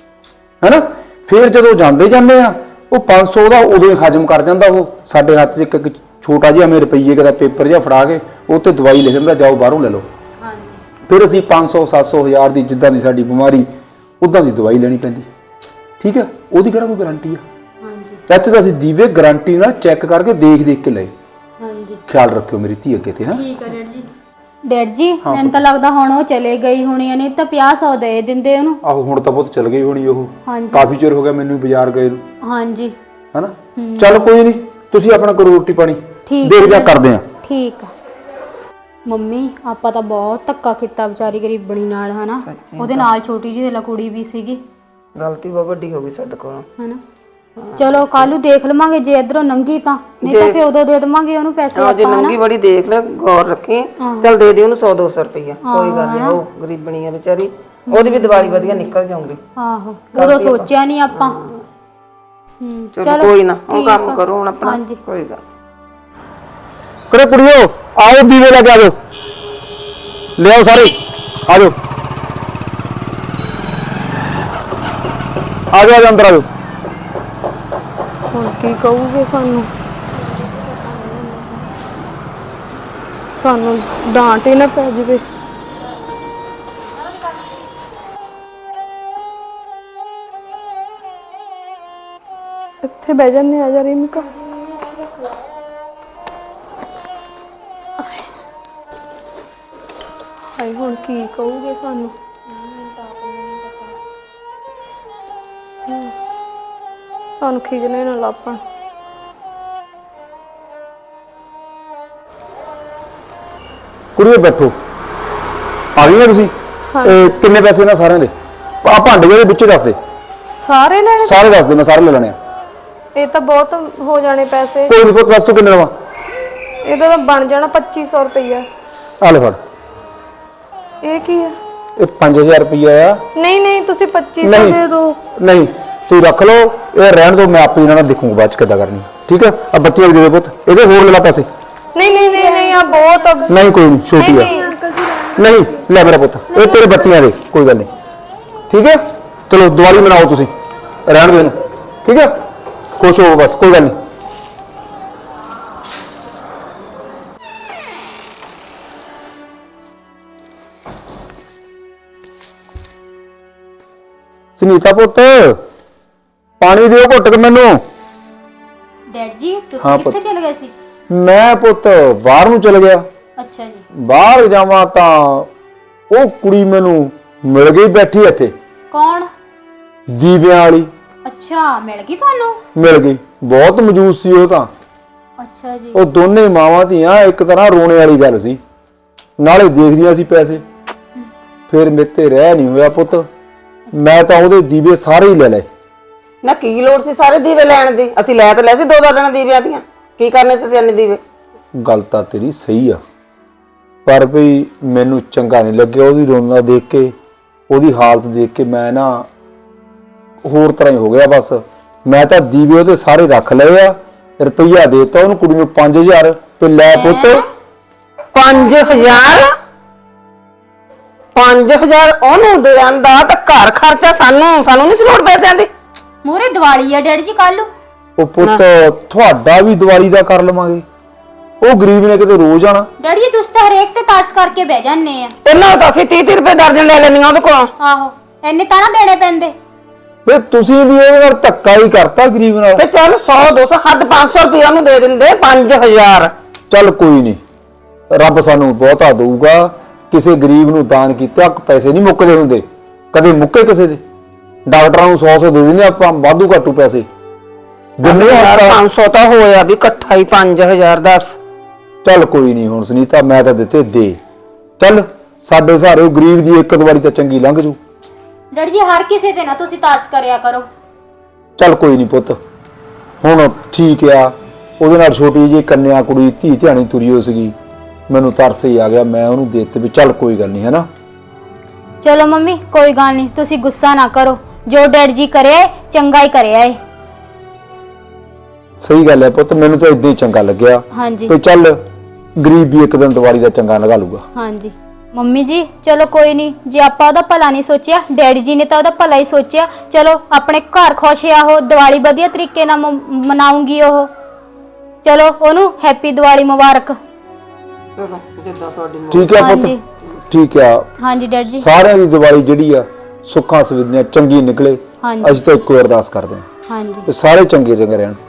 Speaker 1: ਹੈਨਾ। ਫਿਰ ਜਦੋਂ ਜਾਂਦੇ ਆ, ਉਹ 500 ਦਾ ਉਦੋਂ ਹੀ ਹਜਮ ਕਰ ਜਾਂਦਾ। ਉਹ ਸਾਡੇ ਹੱਥ 'ਚ ਇੱਕ ਛੋਟਾ ਜਿਹਾ ਮੇਰੇ ਰੁਪਈਏ ਦਾ ਪੇਪਰ ਜਿਹਾ ਫੜਾ ਕੇ ਉਹ 'ਤੇ ਦਵਾਈ ਲਿਖ ਦਿੰਦਾ, ਜਾਓ ਬਾਹਰੋਂ ਲੈ ਲਓ।
Speaker 2: ਹਾਂਜੀ
Speaker 1: ਫਿਰ ਅਸੀਂ 500 700 1000 ਦੀ ਜਿੱਦਾਂ ਦੀ ਸਾਡੀ ਬਿਮਾਰੀ ਉਦਾਂ ਦੀ ਦਵਾਈ ਲੈਣੀ ਪੈਂਦੀ। ਠੀਕ ਹੈ, ਉਹਦੀ ਕਿਹੜਾ ਕੋਈ ਗਾਰੰਟੀ ਆ।
Speaker 2: ਹਾਂਜੀ
Speaker 1: ਇੱਥੇ ਤਾਂ ਅਸੀਂ ਦੀਵੇ ਗਾਰੰਟੀ ਨਾਲ ਚੈੱਕ ਕਰਕੇ ਦੇਖ ਕੇ ਲਏ।
Speaker 2: ਹਾਂਜੀ
Speaker 1: ਖਿਆਲ ਰੱਖਿਓ ਮੇਰੀ ਧੀ ਅੱਗੇ ਤੇ। ਹਾਂ
Speaker 2: ਠੀਕ ਹੈ ਡੈਡ ਜੀ। ਡੈਡ ਜੀ ਮੈਨੂੰ ਤਾਂ ਲੱਗਦਾ ਹੁਣ ਉਹ ਚਲੇ ਗਈ ਹੋਣੀ ਆ, ਨਹੀਂ ਤਾਂ 50-100 ਦੇ ਦਿੰਦੇ ਉਹਨੂੰ।
Speaker 1: ਆਹੋ ਹੁਣ ਤਾਂ ਬਹੁਤ ਚਲ ਗਈ ਹੋਣੀ ਉਹ।
Speaker 2: ਹਾਂਜੀ
Speaker 1: ਕਾਫੀ ਚਿਰ ਹੋ ਗਿਆ ਮੈਨੂੰ ਬਾਜ਼ਾਰ ਗਏ ਨੂੰ,
Speaker 2: ਹਾਂਜੀ
Speaker 1: ਹੈਨਾ। ਚੱਲ ਕੋਈ ਨਹੀਂ, ਤੁਸੀਂ ਆਪਣਾ ਕਰੋ ਰੋਟੀ ਪਾਣੀ,
Speaker 2: ਠੀਕ
Speaker 1: ਦੇਖਦੇ ਆ ਕਰਦੇ ਆ।
Speaker 2: ਠੀਕ ਆ। ਮੰਮੀ ਆਪਾਂ ਤਾਂ ਬਹੁਤ ਧੱਕਾ ਕੀਤਾ ਵਿਚਾਰੀ ਗਰੀਬਣੀ ਨਾਲ, ਹਨਾ। ਉਹਦੇ ਨਾਲ ਛੋਟੀ ਜਿਹੀ ਦੇ ਕੁੜੀ ਵੀ ਸੀਗੀ।
Speaker 3: ਗਲਤੀ ਬਹੁਤ ਵੱਡੀ ਹੋ ਗਈ ਸਾਡੇ ਕੋਲੋਂ,
Speaker 2: ਹਨਾ। ਚਲੋ ਕੱਲ ਨੂੰ ਦੇਖ ਲਵਾਂਗੇ, ਜੇ ਇਧਰੋਂ ਨੰਗੀ ਤਾਂ, ਨਹੀਂ ਤਾਂ ਫਿਰ ਉਦੋਂ ਦੇ ਦੇਵਾਂਗੇ ਉਹਨੂੰ ਪੈਸੇ
Speaker 3: ਜੇ
Speaker 2: ਆਪਾਂ,
Speaker 3: ਨੰਗੀ ਬੜੀ ਦੇਖ ਲੈ, ਗੌਰ ਰੱਖੀ। ਚੱਲ ਦੇ ਦੇ ਉਹਨੂੰ 100-200 ਰੁਪਈਆ, ਕੋਈ ਗੱਲ ਨਹੀਂ। ਉਹ ਗਰੀਬਣੀ ਆ ਵਿਚਾਰੀ, ਉਹਦੀ ਵੀ ਦੀਵਾਲੀ ਵਧੀਆ ਨਿਕਲ ਜਾਊਗੀ।
Speaker 2: ਆਹੋ ਉਦੋਂ ਸੋਚਿਆ ਨਹੀਂ ਆਪਾਂ।
Speaker 3: ਚਲੋ ਕੋਈ ਨਾ, ਉਹ ਕੰਮ ਕਰੋ ਹੁਣ ਆਪਣਾ। ਕੋਈ ਗੱਲ
Speaker 1: ਕਰੇ ਕੁੜੀਓ, ਆਓ ਦੀਵੇ ਲੈ ਕੇ ਆਜੋ, ਲਿਆਓ ਸਾਰੇ, ਆਜੋ ਆਜੋ ਅੰਦਰ ਆਜੋ।
Speaker 4: ਹੁਣ ਕੀ ਕਹੂਗੇ ਸਾਨੂੰ ਡਾਂਟ ਹੀ ਨਾ ਪੈ ਜਾਵੇ। ਇੱਥੇ ਬਹਿ ਜਾਂਦੇ ਆ ਜਾ ਰੀਮਿਕਾ। ਹਾਏ ਹੁਣ ਕੀ ਕਹੂਗੇ ਸਾਨੂੰ। ਸਾਨੂੰ ਖਿਜਣੇ ਨਾ ਲਾਪਣ।
Speaker 1: ਕੁੜੀਓ ਬੈਠੋ, ਆ ਗਈਆਂ ਤੁਸੀਂ? ਕਿੰਨੇ ਪੈਸੇ ਇਹਨਾਂ ਸਾਰਿਆਂ ਦੇ? ਆ ਭਾਂਡੇ ਦੇ ਵਿੱਚ ਦੱਸ ਦੇ।
Speaker 4: ਸਾਰੇ ਲੈਣੇ?
Speaker 1: ਸਾਰੇ ਦੱਸ ਦੇ, ਮੈਂ ਸਾਰੇ ਲੈ ਲੈਣੇ ਆ।
Speaker 4: ਇਹ ਤਾਂ ਬਹੁਤ ਹੋ ਜਾਣੇ ਪੈਸੇ।
Speaker 1: ਕੋਈ ਰਿਪੋਰਟ ਦੱਸ ਤੂੰ ਕਿੰਨੇ ਲਵਾਂ?
Speaker 4: ਇਹਦਾ ਤਾਂ ਬਣ ਜਾਣਾ 2500 ਰੁਪਈਆ।
Speaker 1: ਆ ਲੈ ਫੜ।
Speaker 4: ਇਹ ਕੀ ਹੈ?
Speaker 1: ਇਹ 5000 ਰੁਪਈਆ ਆ।
Speaker 4: ਨਹੀਂ ਤੁਸੀਂ 2500 ਦੇ ਦਿਓ।
Speaker 1: ਨਹੀਂ ਤੂੰ ਰੱਖ ਲਓ, ਇਹ ਰਹਿਣ ਦੋ, ਮੈਂ ਆਪੇ ਇਹਨਾਂ ਨਾਲ ਦੇਖੂੰਗਾ ਬਾਅਦ ਚ ਕਿੱਦਾਂ ਕਰਨੀ। ਠੀਕ ਹੈ, ਆ ਬੱਤੀਆਂ ਵੀ ਦੇ ਦੇ ਪੁੱਤ, ਇਹਦੇ ਹੋਰ ਲੈ ਲਾ ਪੈਸੇ।
Speaker 4: ਨਹੀਂ ਆ ਬਹੁਤ।
Speaker 1: ਨਹੀਂ ਕੋਈ ਨਹੀਂ, ਛੋਟੀ ਆ। ਨਹੀਂ ਲੈ ਮੇਰਾ ਪੁੱਤ, ਇਹ ਤੇਰੇ ਬੱਤੀਆਂ ਦੇ, ਕੋਈ ਗੱਲ ਨਹੀਂ। ਠੀਕ ਹੈ, ਚਲੋ ਦੀਵਾਲੀ ਮਨਾਓ ਤੁਸੀਂ, ਰਹਿਣ ਦੋ ਇਹਨੂੰ। ਠੀਕ ਹੈ, ਖੁਸ਼ ਹੋਵੋ ਬਸ, ਕੋਈ ਗੱਲ ਨਹੀਂ। ਸੁਨੀਤਾ ਪੁੱਤ, ਪਾਣੀ ਦਿਓ ਘੁੱਟ ਕੇ ਮੈਨੂੰ।
Speaker 2: ਡੈਡ ਜੀ
Speaker 1: ਹਾਂ
Speaker 2: ਤੁਸੀਂ
Speaker 1: ਪੁੱਤ।
Speaker 2: ਕਿੱਥੇ ਚਲੇ ਗਏ ਸੀ?
Speaker 1: ਮੈਂ ਪੁੱਤ ਬਾਹਰ ਨੂੰ ਚਲ ਗਿਆ।
Speaker 2: ਅੱਛਾ ਜੀ।
Speaker 1: ਬਾਹਰ ਜਾਵਾਂ ਤਾਂ ਉਹ ਕੁੜੀ ਮੈਨੂੰ ਮਿਲ ਗਈ ਬੈਠੀ ਇੱਥੇ।
Speaker 2: ਕੌਣ?
Speaker 1: ਦੀਵਿਆਂ ਵਾਲੀ।
Speaker 2: ਅੱਛਾ ਮਿਲ ਗਈ ਤੁਹਾਨੂੰ?
Speaker 1: ਮਿਲ ਗਈ, ਬਹੁਤ ਮਜੂਸ ਸੀ ਉਹ ਤਾਂ।
Speaker 2: ਅੱਛਾ ਜੀ।
Speaker 1: ਉਹ ਦੋਨੇ ਮਾਵਾਂ ਧੀਆਂ ਇੱਕ ਤਰ੍ਹਾਂ ਰੋਣੇ ਵਾਲੀ ਗੱਲ ਸੀ, ਨਾਲੇ ਦੇਖਦੀਆਂ ਸੀ ਪੈਸੇ। ਫਿਰ ਮੇਤੇ ਰਹਿ ਨਹੀਂ ਹੋਇਆ ਪੁੱਤ, ਮੈਂ ਤਾਂ ਉਹਦੇ ਦੀਵੇ ਸਾਰੇ ਹੀ ਲੈ ਲਏ।
Speaker 3: ਨਾ ਕੀ ਲੋੜ ਸੀ ਸਾਰੇ ਦੀਵੇ ਲੈਣ ਦੀ? ਅਸੀਂ ਲੈ ਤਾਂ ਲੈ ਸੀ 2 ਦਰਜਨ ਦੀਵਿਆਂ ਦੀਆਂ, ਕੀ ਕਰਨੇ ਸੀ ਅਸੀਂ ਇੰਨੇ ਦੀਵੇ?
Speaker 1: ਗੱਲ ਤਾਂ ਤੇਰੀ ਸਹੀ ਆ, ਪਰ ਵੀ ਮੈਨੂੰ ਚੰਗਾ ਨਹੀਂ ਲੱਗਿਆ ਉਹਦੀ ਰੋਣਾ ਦੇਖ ਕੇ, ਉਹਦੀ ਹਾਲਤ ਦੇਖ ਕੇ ਮੈਂ ਨਾ ਹੋਰ ਤਰ੍ਹਾਂ ਹੀ ਹੋ ਗਿਆ। ਬਸ ਮੈਂ ਤਾਂ ਦੀਵੇ ਉਹਦੇ ਸਾਰੇ ਰੱਖ ਲਏ ਆ, ਰੁਪਈਆ ਦੇਤਾ ਉਹਨੂੰ ਕੁੜੀ ਨੂੰ 5000 ਤੇ ਲੈ ਪੁੱਤ
Speaker 3: 5000 5000 ਉਹਨੂੰ ਦੇਣ ਦਾ ਤਾਂ ਘਰ ਖਰਚਾ ਸਾਨੂੰ ਨਹੀਂ ਲੋੜ ਪੈਸਿਆਂ ਦੀ।
Speaker 2: ਮੂਰੇ ਦੀਵਾਲੀ ਆ ਡੈਡੀ ਜੀ ਕੱਲ ਨੂੰ।
Speaker 1: ਉਹ ਪੁੱਤ ਤੁਹਾਡਾ ਵੀ ਦੀਵਾਲੀ ਦਾ ਕਰ ਲਵਾਂਗੇ, ਉਹ ਗਰੀਬ ਨੇ ਕਿਤੇ ਰੋਜ਼ ਆਣਾ।
Speaker 2: ਡੈਡੀ ਜੀ ਤੁਸੀਂ ਤਾਂ ਹਰੇਕ ਤੇ ਤਰਸ ਕਰਕੇ ਬਹਿ ਜਾਂਦੇ ਆ।
Speaker 3: ਇਹਨਾਂ ਤਾਂ ਅਸੀਂ 30 ਰੁਪਏ ਦਰਜਨ ਲੈ ਲੈਂਦੀਆਂ ਉਹਦੇ ਕੋਲੋਂ।
Speaker 2: ਆਹੋ ਇੰਨੇ ਤਾਂ ਨਾ ਦੇਣੇ ਪੈਂਦੇ।
Speaker 1: ਵੇ ਤੁਸੀਂ ਵੀ ਉਹਦੇ ਨਾਲ ਧੱਕਾ ਹੀ ਕਰਤਾ ਗਰੀਬ ਨਾਲ।
Speaker 3: ਤੇ ਚੱਲ 100 200 ਹੱਦ 500 ਰੁਪਏ ਉਹਨੂੰ ਦੇ ਦਿੰਦੇ 5000।
Speaker 1: ਚੱਲ ਕੋਈ ਨਹੀਂ, ਰੱਬ ਸਾਨੂੰ ਬਹੁਤਾ ਦਊਗਾ। ਕਿਸੇ ਗਰੀਬ ਨੂੰ ਦਾਨ ਕੀਤਾ ਪੈਸੇ ਨਹੀਂ ਮੁੱਕਦੇ ਹੁੰਦੇ, ਕਦੇ ਮੁੱਕੇ ਕਿਸੇ ਦੇ। ਡਾਕਟਰਾਂ ਨੂੰ 100 ਦੇ ਦਿੰਦੇ ਆਪਾਂ, ਵਾਧੂ ਘਾਟੂ ਪੈਸੇ ਜਿੰਨੇ
Speaker 3: 500 ਤਾਂ ਹੋਇਆ ਵੀ ਇਕੱਠਾ ਹੀ 5000 10।
Speaker 1: ਚੱਲ ਕੋਈ ਨਹੀਂ, ਹੁਣ ਸੁਨੀਤਾ ਮੈਂ ਤਾਂ ਦਿੱਤੇ ਦੇ। ਚੱਲ ਸਾਡੇ ਸਾਰੇ ਉਹ ਗਰੀਬ ਦੀ ਇੱਕ ਵਾਰੀ ਤਾਂ ਚੰਗੀ ਲੰਘ ਜੂ।
Speaker 2: ਡੈਡੀ ਜੀ ਹਰ ਕਿਸੇ ਤੇ ਨਾ ਤੁਸੀਂ ਤਰਸ ਕਰਿਆ ਕਰੋ।
Speaker 1: ਚੱਲ ਕੋਈ ਨਹੀਂ ਪੁੱਤ, ਹੁਣ ਠੀਕ ਆ। ਉਹਦੇ ਨਾਲ ਛੋਟੀ ਜਿਹੀ ਕੰਨਿਆ ਕੁੜੀ ਧੀ ਧਿਆਣੀ ਤੁਰੀ ਹੋ ਸੀਗੀ, ਮੈਨੂੰ ਤਰਸ ਹੀ ਆ ਗਿਆ, ਮੈਂ ਉਹਨੂੰ ਦੇ ਦਿੱਤੇ ਵੀ ਚੱਲ ਕੋਈ ਗੱਲ ਨਹੀਂ, ਹੈ ਨਾ।
Speaker 2: ਚਲੋ ਮੰਮੀ ਕੋਈ ਗੱਲ ਨਹੀਂ, ਤੁਸੀਂ ਗੁੱਸਾ ਨਾ ਕਰੋ। ਜੋ ਡੈਡੀ ਜੀ ਕਰਿਆ ਏ, ਚੰਗਾ ਹੀ ਕਰਿਆ ਏ।
Speaker 1: ਸਹੀ ਗੱਲ ਹੈ ਪੁੱਤ, ਮੈਨੂੰ ਤਾਂ ਇਦਾਂ ਹੀ ਚੰਗਾ ਲੱਗਿਆ
Speaker 2: ਹਾਂਜੀ
Speaker 1: ਤੇ ਚੱਲ ਗਰੀਬ ਵੀ ਇੱਕ ਦਿਨ ਦੀਵਾਲੀ ਦਾ ਚੰਗਾ ਲਗਾ ਲੂਗਾ।
Speaker 2: ਹਾਂਜੀ ਮੰਮੀ ਜੀ ਚਲੋ ਕੋਈ ਨਹੀਂ, ਜੇ ਆਪਾਂ ਉਹਦਾ ਭਲਾ ਨਹੀਂ ਸੋਚਿਆ, ਡੈਡੀ ਜੀ ਨੇ ਤਾਂ ਉਹਦਾ ਭਲਾ ਹੀ ਸੋਚਿਆ। ਚਲੋ ਆਪਣੇ ਘਰ ਖੁਸ਼ ਆ, ਉਹ ਦੀਵਾਲੀ ਵਧੀਆ ਤਰੀਕੇ ਨਾਲ ਮਨਾਉਂਗੀ ਉਹ। ਚਲੋ ਉਹਨੂੰ ਹੈਪੀ ਦੀਵਾਲੀ ਮੁਬਾਰਕ।
Speaker 3: ਚਲੋ ਜਿੱਦਾਂ ਤੁਹਾਡੀ
Speaker 1: ਠੀਕ ਹੈ ਪੁੱਤ,
Speaker 2: ਹਾਂਜੀ
Speaker 1: ਠੀਕ ਆ।
Speaker 2: ਹਾਂਜੀ ਡੈਡੀ ਜੀ।
Speaker 1: ਸਾਰਿਆਂ ਦੀ ਦੀਵਾਲੀ ਜਿਹੜੀ ਆ ਸੁੱਖਾਂ ਸੁਵਿਧੀਆਂ ਚੰਗੀ ਨਿਕਲੇ,
Speaker 2: ਹਾਂਜੀ
Speaker 1: ਅਸੀਂ ਤਾਂ ਇੱਕੋ ਅਰਦਾਸ ਕਰਦੇ ਹਾਂ
Speaker 2: ਹਾਂਜੀ
Speaker 1: ਕਿ ਸਾਰੇ ਚੰਗੇ ਰਹਿਣ।